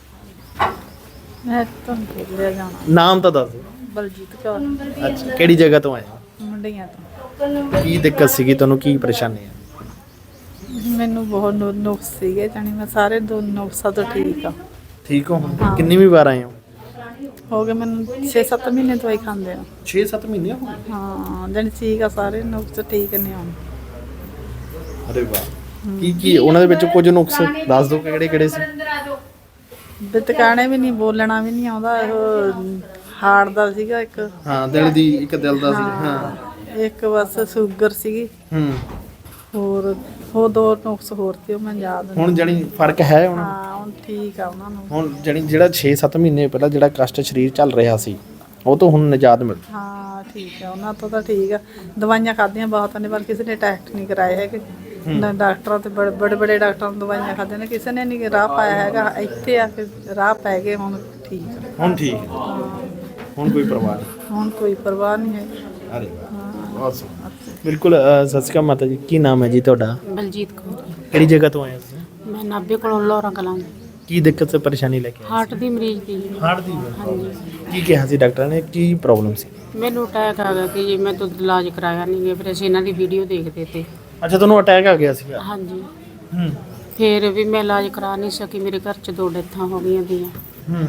M: ਮੈਂ ਤੁਹਾਨੂੰ ਭੇਜਿਆ ਜਾਣਾ।
B: ਨਾਮ ਤਾਂ ਦੱਸ ਦਿਓ।
M: ਬਲਜੀਤ ਕੌਰ।
B: ਅੱਛਾ, ਕਿਹੜੀ ਜਗ੍ਹਾ ਤੋਂ ਆਏ ਹੋ?
M: ਮੁੰਡਿਆਂ ਤੋਂ।
B: ਕੀ ਦਿੱਕਤ ਸੀਗੀ ਤੁਹਾਨੂੰ, ਕੀ ਪਰੇਸ਼ਾਨੀ ਹੈ?
M: ਮੈਨੂੰ ਬਹੁਤ ਨੁ- ਨੁਕਸ ਸੀਗੇ, ਜਾਣੀ ਮੈਂ ਸਾਰੇ ਦੋ ਨੁਕਸਾਂ ਤੋਂ ਠੀਕ ਆ।
B: ਠੀਕ ਹੋ? ਕਿੰਨੀ ਵੀ ਵਾਰ ਆਏ ਹੋ?
M: ਹੋ ਗਏ ਮੈਨੂੰ ਛੇ ਸੱਤ ਮਹੀਨੇ ਦਵਾਈ ਖਾਂਦੇ ਆ।
B: ਛੇ ਸੱਤ ਮਹੀਨੇ ਹੋ ਗਏ?
M: ਹਾਂ, ਜਾਣੀ ਠੀਕ ਆ, ਸਾਰੇ ਨੁਕਸ ਠੀਕ ਨੇ ਹੁਣ।
B: ਅਰੇ ਵਾਹ। ਕੀ ਕੀ ਉਹਨਾਂ ਦੇ ਵਿੱਚ ਕੁਝ ਨੁਕਸ ਦੱਸ ਦਿਓ, ਕਿਹੜੇ ਕਿਹੜੇ ਸੀ?
M: ਬਿਤਕਾਣੇ ਵੀ ਨਹੀਂ, ਬੋਲਣਾ ਵੀ ਨਹੀਂ ਆਉਂਦਾ। ਉਹ ਹਾਰਟ ਦਾ ਸੀਗਾ ਇੱਕ।
B: ਹਾਂ, ਦਿਲ ਦੀ, ਇੱਕ ਦਿਲ ਦਾ ਸੀ। ਹਾਂ,
M: ਇੱਕ ਬਸ ਸ਼ੂਗਰ ਸੀਗੀ।
B: ਹੂੰ।
M: ਹੋਰ ਉਹ ਦੋ ਨੁਕਸ ਹੋਰ ਸੀ, ਉਹ ਮੈਂ ਯਾਦ ਨਹੀਂ।
B: ਹੁਣ ਜਾਣੀ ਫਰਕ ਹੈ ਉਹਨਾਂ ਨੂੰ?
M: ਹਾਂ, ਹੁਣ ਠੀਕ ਆ ਉਹਨਾਂ ਨੂੰ।
B: ਹੁਣ ਜਾਣੀ ਜਿਹੜਾ ਛੇ ਸੱਤ ਮਹੀਨੇ ਪਹਿਲਾਂ ਜਿਹੜਾ ਕਸ਼ਟ ਸਰੀਰ ਚੱਲ ਰਿਹਾ ਸੀ, ਉਹ ਤੋਂ ਹੁਣ ਨਿਜਾਤ ਮਿਲ?
M: ਹਾਂ, ਠੀਕ ਆ, ਉਹਨਾਂ ਤੋਂ ਤਾਂ ਠੀਕ ਆ। ਦਵਾਈਆਂ ਖਾਧੀਆਂ ਬਹੁਤ ਨੇ, ਪਰ ਕਿਸੇ ਨੇ ਟੈਸਟ ਨਹੀਂ ਕਰਾਏ ਹੈਗੇ। ਨਾ ਡਾਕਟਰਾਂ ਤੇ ਬੜੇ ਬੜੇ ਬੜੇ ਡਾਕਟਰਾਂ ਨੂੰ ਦਵਾਈਆਂ ਖਾਧੀਆਂ ਨੇ, ਕਿਸੇ ਨੇ ਨਹੀਂ ਰਾਹ ਪਾਇਆ ਹੈਗਾ। ਇੱਥੇ ਆ ਕੇ ਰਾਹ ਪੈ ਗਏ, ਹੁਣ ਠੀਕ ਆ।
B: ਹੁਣ ਠੀਕ ਹੈ, ਹੁਣ ਕੋਈ ਪਰਵਾਹ ਨਹੀਂ?
M: ਹੁਣ ਕੋਈ ਪਰਵਾਹ ਨਹੀਂ ਹੈ।
B: ਅਰੇ ਬਹੁਤ ਸੋਹਣਾ। ਬਿਲਕੁਲ। ਸਤਿ ਸ਼੍ਰੀ ਅਕਾਲ ਮਾਤਾ ਜੀ, ਕੀ ਨਾਮ ਹੈ ਜੀ ਤੁਹਾਡਾ?
F: ਬਲਜੀਤ ਕੌਰ।
B: ਕਿਹੜੀ ਜਗ੍ਹਾ ਤੋਂ ਆਏ ਹੋ ਤੁਸੀਂ?
F: ਮੈਂ ਨਾਭੇ ਕੋਲੋਂ ਲੋਰਾ ਕਲਾਂ।
B: ਕੀ ਦਿੱਕਤ ਤੇ ਪਰੇਸ਼ਾਨੀ ਲੈ ਕੇ ਆਏ?
F: ਹਾਰਟ ਦੀ ਮਰੀਜ਼ ਦੀ।
B: ਹਾਰਟ ਦੀ?
F: ਹਾਂਜੀ।
B: ਕੀ ਕਿਹਾ ਸੀ ਡਾਕਟਰ ਨੇ, ਕੀ ਪ੍ਰੋਬਲਮ ਸੀ?
F: ਮੈਨੂੰ ਅਟੈਕ ਆ ਗਿਆ ਕਿ ਜੀ ਮੈਂ ਤਾਂ ਇਲਾਜ ਕਰਾਇਆ ਨਹੀਂ ਗਿਆ, ਫਿਰ ਅਸੀਂ ਇਹਨਾਂ ਦੀ ਵੀਡੀਓ ਦੇਖਦੇ ਤੇ।
B: ਅੱਛਾ, ਤੁਹਾਨੂੰ ਅਟੈਕ ਆ ਗਿਆ ਸੀਗਾ?
F: ਹਾਂਜੀ।
B: ਹੂੰ।
F: ਫਿਰ ਵੀ ਮੈਂ ਇਲਾਜ ਕਰਾ ਨਹੀਂ ਸਕੀ, ਮੇਰੇ ਘਰ 'ਚ ਦੋ ਡੈਥਾਂ ਹੋ ਗਈਆਂ ਦੀਆਂ।
B: ਹੂੰ।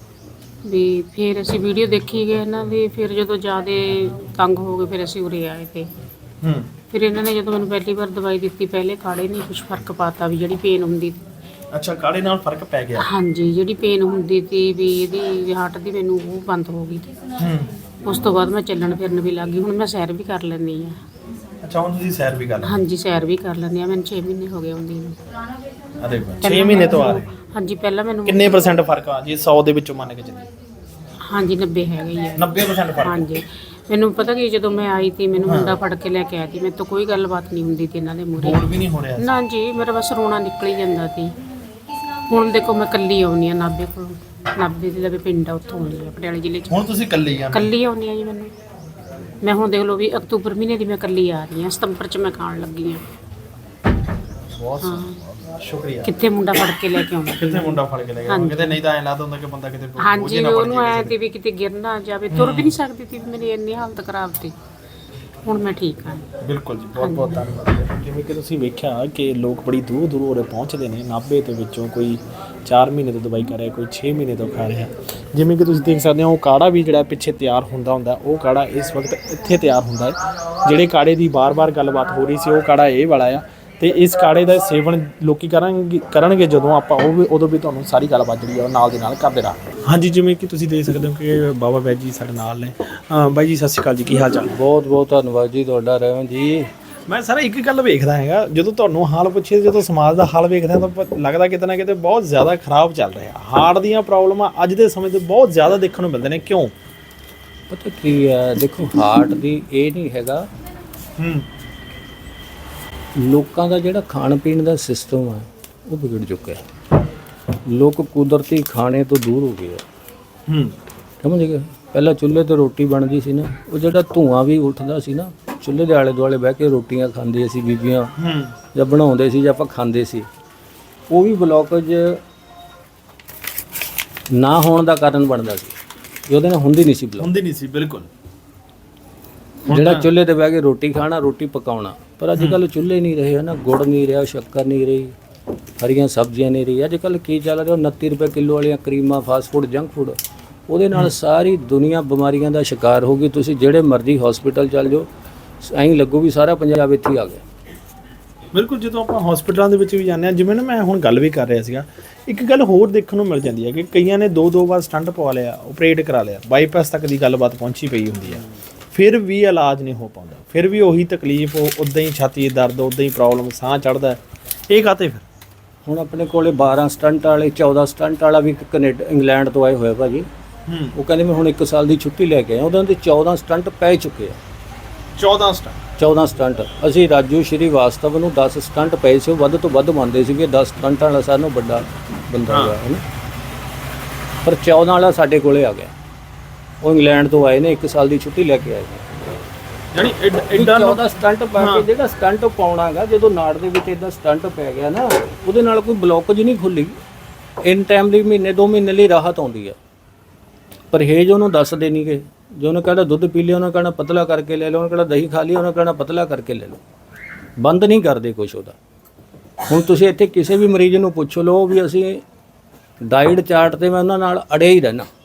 F: ਵੀ ਫਿਰ ਅਸੀਂ ਵੀਡੀਓ ਦੇਖੀ ਗਏ ਇਹਨਾਂ ਦੀ, ਫਿਰ ਜਦੋਂ ਜ਼ਿਆਦਾ ਤੰਗ ਹੋ ਗਏ ਫਿਰ ਅਸੀਂ ਉਰੇ ਆਏ ਤੇ।
B: ਹੂੰ।
F: ਫਿਰ ਇਹਨਾਂ ਨੇ ਜਦੋਂ ਮੈਨੂੰ ਪਹਿਲੀ ਵਾਰ ਦਵਾਈ ਦਿੱਤੀ, ਪਹਿਲੇ ਕਾੜੇ ਨਹੀਂ ਕੁਝ ਫਰਕ ਪਾਤਾ ਵੀ ਜਿਹੜੀ ਪੇਨ ਹੁੰਦੀ।
B: ਅੱਛਾ, ਕਾੜੇ ਨਾਲ ਫਰਕ ਪੈ ਗਿਆ?
F: ਹਾਂਜੀ, ਜਿਹੜੀ ਪੇਨ ਹੁੰਦੀ ਸੀ ਵੀ ਇਹਦੀ ਹਾਰਟ ਦੀ, ਮੈਨੂੰ ਉਹ ਬੰਦ ਹੋ ਗਈ।
B: ਹੂੰ। ਉਸ
F: ਤੋਂ ਬਾਅਦ ਮੈਂ ਚੱਲਣ ਫਿਰਨ ਵੀ ਲੱਗ ਗਈ। ਹੁਣ ਮੈਂ ਸੈਰ ਵੀ ਕਰ ਲੈਂਦੀ ਆ।
B: ਅੱਛਾ, ਹੁਣ ਤੁਸੀਂ ਸੈਰ ਵੀ ਕਰ ਲੈਂਦੇ?
F: ਹਾਂਜੀ, ਸੈਰ ਵੀ ਕਰ ਲੈਂਦੀ ਆ। ਮੈਨੂੰ ਛੇ ਮਹੀਨੇ ਹੋ ਗਏ ਆਉਂਦੀ ਨੂੰ।
B: ਅਰੇ ਵਾਹ, ਛੇ ਮਹੀਨੇ ਤੋਂ ਆ ਰਹੇ?
F: ਹਾਂਜੀ। ਪਹਿਲਾਂ ਮੈਨੂੰ
B: ਕਿੰਨੇ ਪਰਸੈਂਟ ਫਰਕ ਆ ਜੀ ਸੌ ਦੇ ਵਿੱਚੋਂ ਮੰਨ ਕੇ ਚੱਲੀਏ?
F: ਹਾਂਜੀ, ਨੱਬੇ ਹੈਗਾ ਹੀ ਆ।
B: ਨੱਬੇ ਪਰਸੈਂਟ ਫਰਕ? ਹਾਂਜੀ।
F: ਮੈਨੂੰ ਪਤਾ ਕਿ ਜਦੋਂ ਮੈਂ ਆਈ ਤੀ, ਮੈਨੂੰ ਮੁੰਡਾ ਫੜ ਕੇ ਲੈ ਕੇ ਆਇਆ ਸੀ, ਮੇਰੇ ਤੋਂ ਕੋਈ ਗੱਲਬਾਤ ਨਹੀਂ ਹੁੰਦੀ ਤੀ ਇਹਨਾਂ ਦੇ ਮੂਹਰੇ।
B: ਬੋਲ ਵੀ ਨਹੀਂ ਹੋ ਰਿਹਾ?
F: ਨਾ ਜੀ, ਮੇਰਾ ਬਸ ਰੋਣਾ ਨਿਕਲ ਹੀ ਜਾਂਦਾ ਸੀ। ਹੁਣ ਦੇਖੋ ਮੈਂ ਇਕੱਲੀ ਆਉਣੀ ਆ ਨਾਭੇ ਕੋਲ। ਨਾਭੇ ਦੇ ਲਵੇ ਪਿੰਡ ਆ, ਉੱਥੋਂ ਆਉਂਦੀ ਆ ਪਟਿਆਲੇ ਜ਼ਿਲ੍ਹੇ 'ਚ।
B: ਹੁਣ ਤੁਸੀਂ ਇਕੱਲੀ ਆ?
F: ਇਕੱਲੀ ਆਉਣੀ ਆ ਜੀ ਮੈਨੂੰ। ਮੈਂ ਹੁਣ ਦੇਖ ਲਓ ਵੀ ਅਕਤੂਬਰ ਮਹੀਨੇ ਦੀ ਮੈਂ ਇਕੱਲੀ ਆ ਰਹੀ ਹਾਂ, ਸਤੰਬਰ 'ਚ ਮੈਂ ਖਾਣ ਲੱਗੀ ਹਾਂ।
B: ਬਹੁਤ ਸੋਹਣਾ, ਸ਼ੁਕਰੀਆ।
F: ਕਿੱਥੇ ਮੁੰਡਾ ਫੜ ਕੇ ਲੈ ਕੇ ਆਉਂਦਾ?
B: ਕਿੱਥੇ ਮੁੰਡਾ ਫੜ ਕੇ ਲੈ ਕੇ ਆਉਂਦਾ? ਕਿਤੇ ਨਹੀਂ ਤਾਂ ਐਂ ਲੱਗਦਾ ਹੁੰਦਾ ਕਿ ਬੰਦਾ ਕਿਤੇ
F: ਹਾਂਜੀ, ਉਹਨੂੰ ਐ ਤੇ ਵੀ ਕਿਤੇ ਗਿਰ ਨਾ ਜਾਵੇ। ਤੁਰ ਵੀ ਨਹੀਂ ਸਕਦੀ ਸੀ, ਮੇਰੀ ਇੰਨੀ ਹਾਲਤ ਖਰਾਬ ਸੀ। ਹੁਣ ਮੈਂ ਠੀਕ ਹਾਂ।
B: ਬਿਲਕੁਲ ਜੀ, ਬਹੁਤ ਬਹੁਤ ਧੰਨਵਾਦ। ਜਿਵੇਂ ਕਿ ਤੁਸੀਂ ਵੇਖਿਆ ਕਿ ਲੋਕ ਬੜੀ ਦੂਰ ਦੂਰ ਉਰੇ ਪਹੁੰਚਦੇ ਨੇ। ਨਾਭੇ ਦੇ ਵਿੱਚੋਂ ਕੋਈ ਚਾਰ ਮਹੀਨੇ ਤੋਂ ਦਵਾਈ ਕਰ ਰਿਹਾ, ਕੋਈ ਛੇ ਮਹੀਨੇ ਤੋਂ ਖਾ ਰਿਹਾ। ਜਿਵੇਂ ਕਿ ਤੁਸੀਂ ਦੇਖ ਸਕਦੇ ਹੋ, ਉਹ ਕਾੜਾ ਵੀ ਜਿਹੜਾ ਪਿੱਛੇ ਤਿਆਰ ਹੁੰਦਾ ਹੁੰਦਾ, ਉਹ ਕਾੜਾ ਇਸ ਵਕਤ ਇੱਥੇ ਤਿਆਰ ਹੁੰਦਾ ਹੈ। ਜਿਹੜੇ ਕਾੜੇ ਦੀ ਬਾਰ-ਬਾਰ ਗੱਲਬਾਤ ਹੋ ਰਹੀ ਸੀ, ਉਹ ਕਾੜਾ ਇਹ ਵਾਲਾ ਆ। ਤੇ ਇਸ ਕਾੜੇ ਦਾ ਸੇਵਨ ਲੋਕੀ ਕਰਾਂਗੇ ਕਰਨਗੇ ਜਦੋਂ ਆਪਾਂ, ਉਹ ਵੀ ਉਦੋਂ ਵੀ ਤੁਹਾਨੂੰ ਸਾਰੀ ਗੱਲਬਾਤ ਜਿਹੜੀ ਆ ਉਹ ਨਾਲ ਦੇ ਨਾਲ ਕਰਦੇ ਰਹਾਂਗੇ। ਹਾਂਜੀ, ਜਿਵੇਂ ਕਿ ਤੁਸੀਂ ਦੇਖ ਸਕਦੇ ਹੋ ਕਿ ਬਾਬਾ ਵੈਦ ਜੀ ਸਾਡੇ ਨਾਲ ਨੇ। ਬਾਈ ਜੀ, ਸਤਿ ਸ਼੍ਰੀ ਅਕਾਲ ਜੀ, ਕੀ ਹਾਲ ਚਾਲ?
G: ਬਹੁਤ ਬਹੁਤ ਧੰਨਵਾਦ ਜੀ ਤੁਹਾਡਾ ਰਹਿਮਨ ਜੀ।
B: ਮੈਂ ਸਾਰਾ ਇੱਕ ਗੱਲ ਵੇਖਦਾ ਹੈਗਾ, ਜਦੋਂ ਤੁਹਾਨੂੰ ਹਾਲ ਪੁੱਛੇ, ਜਦੋਂ ਸਮਾਜ ਦਾ ਹਾਲ ਵੇਖਦਾ ਤਾਂ ਲੱਗਦਾ ਕਿਤੇ ਨਾ ਕਿਤੇ ਬਹੁਤ ਜ਼ਿਆਦਾ ਖਰਾਬ ਚੱਲ ਰਿਹਾ। ਹਾਰਟ ਦੀਆਂ ਪ੍ਰੋਬਲਮਾਂ ਅੱਜ ਦੇ ਸਮੇਂ 'ਤੇ ਬਹੁਤ ਜ਼ਿਆਦਾ ਦੇਖਣ ਨੂੰ ਮਿਲਦੇ ਨੇ। ਕਿਉਂ?
G: ਪਤਾ ਕੀ ਹੈ, ਦੇਖੋ ਹਾਰਟ ਦੀ ਇਹ ਨਹੀਂ ਹੈਗਾ।
B: ਹੂੰ।
G: ਲੋਕਾਂ ਦਾ ਜਿਹੜਾ ਖਾਣ ਪੀਣ ਦਾ ਸਿਸਟਮ ਆ ਉਹ ਵਿਗੜ ਚੁੱਕਿਆ। ਲੋਕ ਕੁਦਰਤੀ ਖਾਣੇ ਤੋਂ ਦੂਰ ਹੋ ਗਏ ਆ।
B: ਹੂੰ।
G: ਸਮਝ ਗਏ? ਪਹਿਲਾਂ ਚੁੱਲ੍ਹੇ ਤੇ ਰੋਟੀ ਬਣਦੀ ਸੀ ਨਾ, ਉਹ ਜਿਹੜਾ ਧੂਆਂ ਵੀ ਉੱਠਦਾ ਸੀ ਨਾ, ਚੁੱਲ੍ਹੇ ਦੇ ਆਲੇ ਦੁਆਲੇ ਬਹਿ ਕੇ ਰੋਟੀਆਂ ਖਾਂਦੇ ਸੀ ਬੀਬੀਆਂ, ਜਾਂ ਬਣਾਉਂਦੇ ਸੀ ਜਾਂ ਆਪਾਂ ਖਾਂਦੇ ਸੀ, ਉਹ ਵੀ ਬਲੌਕੇਜ ਨਾ ਹੋਣ ਦਾ ਕਾਰਨ ਬਣਦਾ ਸੀ। ਉਹਦੇ ਨਾਲ ਹੁੰਦੀ ਨਹੀਂ ਸੀ ਬਲੌਕ।
B: ਹੁੰਦੀ ਨਹੀਂ ਸੀ, ਬਿਲਕੁਲ।
G: ਜਿਹੜਾ ਚੁੱਲ੍ਹੇ ਤੇ ਬਹਿ ਕੇ ਰੋਟੀ ਖਾਣਾ, ਰੋਟੀ ਪਕਾਉਣਾ। ਪਰ ਅੱਜ ਕੱਲ੍ਹ ਚੁੱਲ੍ਹੇ ਨਹੀਂ ਰਹੇ ਨਾ, ਗੁੜ ਨਹੀਂ ਰਿਹਾ, ਸ਼ੱਕਰ ਨਹੀਂ ਰਹੀ, ਹਰੀਆਂ ਸਬਜ਼ੀਆਂ ਨਹੀਂ ਰਹੀ। ਅੱਜ ਕੱਲ੍ਹ ਕੀ ਚੱਲ ਰਿਹਾ, ਉਨੱਤੀ ਰੁਪਏ ਕਿਲੋ ਵਾਲੀਆਂ ਕਰੀਮਾਂ, ਫਾਸਟ ਫੂਡ, ਜੰਕ ਫੂਡ, ਉਹਦੇ ਨਾਲ ਸਾਰੀ ਦੁਨੀਆ ਬਿਮਾਰੀਆਂ ਦਾ ਸ਼ਿਕਾਰ ਹੋ ਗਈ। ਤੁਸੀਂ ਜਿਹੜੇ ਮਰਜ਼ੀ ਹਸਪੀਟਲ ਚੱਲ ਜਾਓ, ਐਂ ਲੱਗੂ ਵੀ ਸਾਰਾ ਪੰਜਾਬ ਇੱਥੇ ਆ ਗਿਆ।
B: ਬਿਲਕੁਲ। ਜਦੋਂ ਆਪਾਂ ਹਸਪੀਟਲਾਂ ਦੇ ਵਿੱਚ ਵੀ ਜਾਂਦੇ ਹਾਂ, ਜਿਵੇਂ ਨਾ ਮੈਂ ਹੁਣ ਗੱਲ ਵੀ ਕਰ ਰਿਹਾ ਸੀਗਾ, ਇੱਕ ਗੱਲ ਹੋਰ ਦੇਖਣ ਨੂੰ ਮਿਲ ਜਾਂਦੀ ਹੈ ਕਿ ਕਈਆਂ ਨੇ ਦੋ ਦੋ ਵਾਰ ਸਟੰਟ ਪਵਾ ਲਿਆ, ਆਪਰੇਟ ਕਰਾ ਲਿਆ, ਬਾਈਪਾਸ ਤੱਕ ਦੀ ਗੱਲਬਾਤ ਪਹੁੰਚੀ ਪਈ ਹੁੰਦੀ ਹੈ। ਫਿਰ ਵੀ ਇਲਾਜ ਨਹੀਂ ਹੋ ਪਾਉਂਦਾ, ਫਿਰ ਵੀ ਉਹੀ ਤਕਲੀਫ, ਉਦਾਂ ਹੀ ਛਾਤੀ 'ਚ ਦਰਦ, ਉਦਾਂ ਹੀ ਪ੍ਰੋਬਲਮ, ਸਾਹ ਚੜ੍ਹਦਾ, ਇਹ ਕਾਤੇ ਫਿਰ?
G: ਹੁਣ ਆਪਣੇ ਕੋਲੇ ਬਾਰਾਂ ਸਟੰਟ ਵਾਲੇ, ਚੌਦਾਂ ਸਟੰਟ ਵਾਲਾ ਵੀ ਇੱਕ ਕੈਨੇਡਾ ਇੰਗਲੈਂਡ ਤੋਂ ਆਏ ਹੋਏ ਭਾਜੀ। ਉਹ ਕਹਿੰਦੇ ਮੈਂ ਹੁਣ ਇੱਕ ਸਾਲ ਦੀ ਛੁੱਟੀ ਲੈ ਕੇ ਆਇਆ, ਉਹਨਾਂ ਦੇ ਚੌਦਾਂ ਸਟੰਟ ਪੈ ਚੁੱਕੇ ਆ।
B: ਚੌਦਾਂ ਸਟੰਟ
G: ਚੌਦਾਂ ਸਟੰਟ ਅਸੀਂ ਰਾਜੂ ਸ਼੍ਰੀਵਾਸਤਵ ਨੂੰ ਦਸ ਸਟੰਟ ਪਏ ਸੀ, ਉਹ ਵੱਧ ਤੋਂ ਵੱਧ ਮੰਨਦੇ ਸੀਗੇ, ਦਸ ਸਟੰਟਾਂ ਵਾਲਾ ਸਾਨੂੰ ਵੱਡਾ ਬੰਦਾ ਹੋਇਆ ਹੈ ਨਾ, ਪਰ ਚੌਦਾਂ ਵਾਲਾ ਸਾਡੇ ਕੋਲੇ ਆ ਗਿਆ। ਉਹ ਇੰਗਲੈਂਡ ਤੋਂ ਆਏ ਨੇ, ਇੱਕ ਸਾਲ ਦੀ ਛੁੱਟੀ ਲੈ ਕੇ ਆਏ ਨੇ।
B: ਯਾਨੀ ਐਡਾ
G: ਚੌਦਾਂ ਸਟੰਟ ਪਾ ਕੇ ਜਿਹੜਾ ਸਟੰਟ ਪਾਉਣਾ ਹੈਗਾ, ਜਦੋਂ ਨਾੜ ਦੇ ਵਿੱਚ ਇਦਾਂ ਸਟੰਟ ਪੈ ਗਿਆ ਨਾ, ਉਹਦੇ ਨਾਲ ਕੋਈ ਬਲੋਕੇਜ ਨਹੀਂ ਖੁੱਲੀ, ਇਨ ਟਾਈਮ ਦੀ ਮਹੀਨੇ ਦੋ ਮਹੀਨੇ ਲਈ ਰਾਹਤ ਆਉਂਦੀ ਹੈ। ਪਰਹੇਜ਼ ਉਹਨੂੰ ਦੱਸਦੇ ਨਹੀਂਗੇ, ਜੋ ਉਹਨੇ ਕਹਿਣਾ ਦੁੱਧ ਪੀ ਲਿਆ, ਉਹਨੇ ਕਹਿਣਾ ਪਤਲਾ ਕਰਕੇ ਲੈ ਲਓ, ਉਹਨੇ ਕਹਿਣਾ ਦਹੀਂ ਖਾ ਲਈ, ਉਹਨੇ ਕਹਿਣਾ ਪਤਲਾ ਕਰਕੇ ਲੈ ਲਓ, ਬੰਦ ਨਹੀਂ ਕਰਦੇ ਕੁਛ ਉਹਦਾ। ਹੁਣ ਤੁਸੀਂ ਇੱਥੇ ਕਿਸੇ ਵੀ ਮਰੀਜ਼ ਨੂੰ ਪੁੱਛ ਲਓ ਵੀ ਅਸੀਂ ਡਾਈਟ ਚਾਰਟ ਤੇ ਮੈਂ ਉਹਨਾਂ ਨਾਲ ਅੜਿਆ ਹੀ ਰਹਿਣਾ।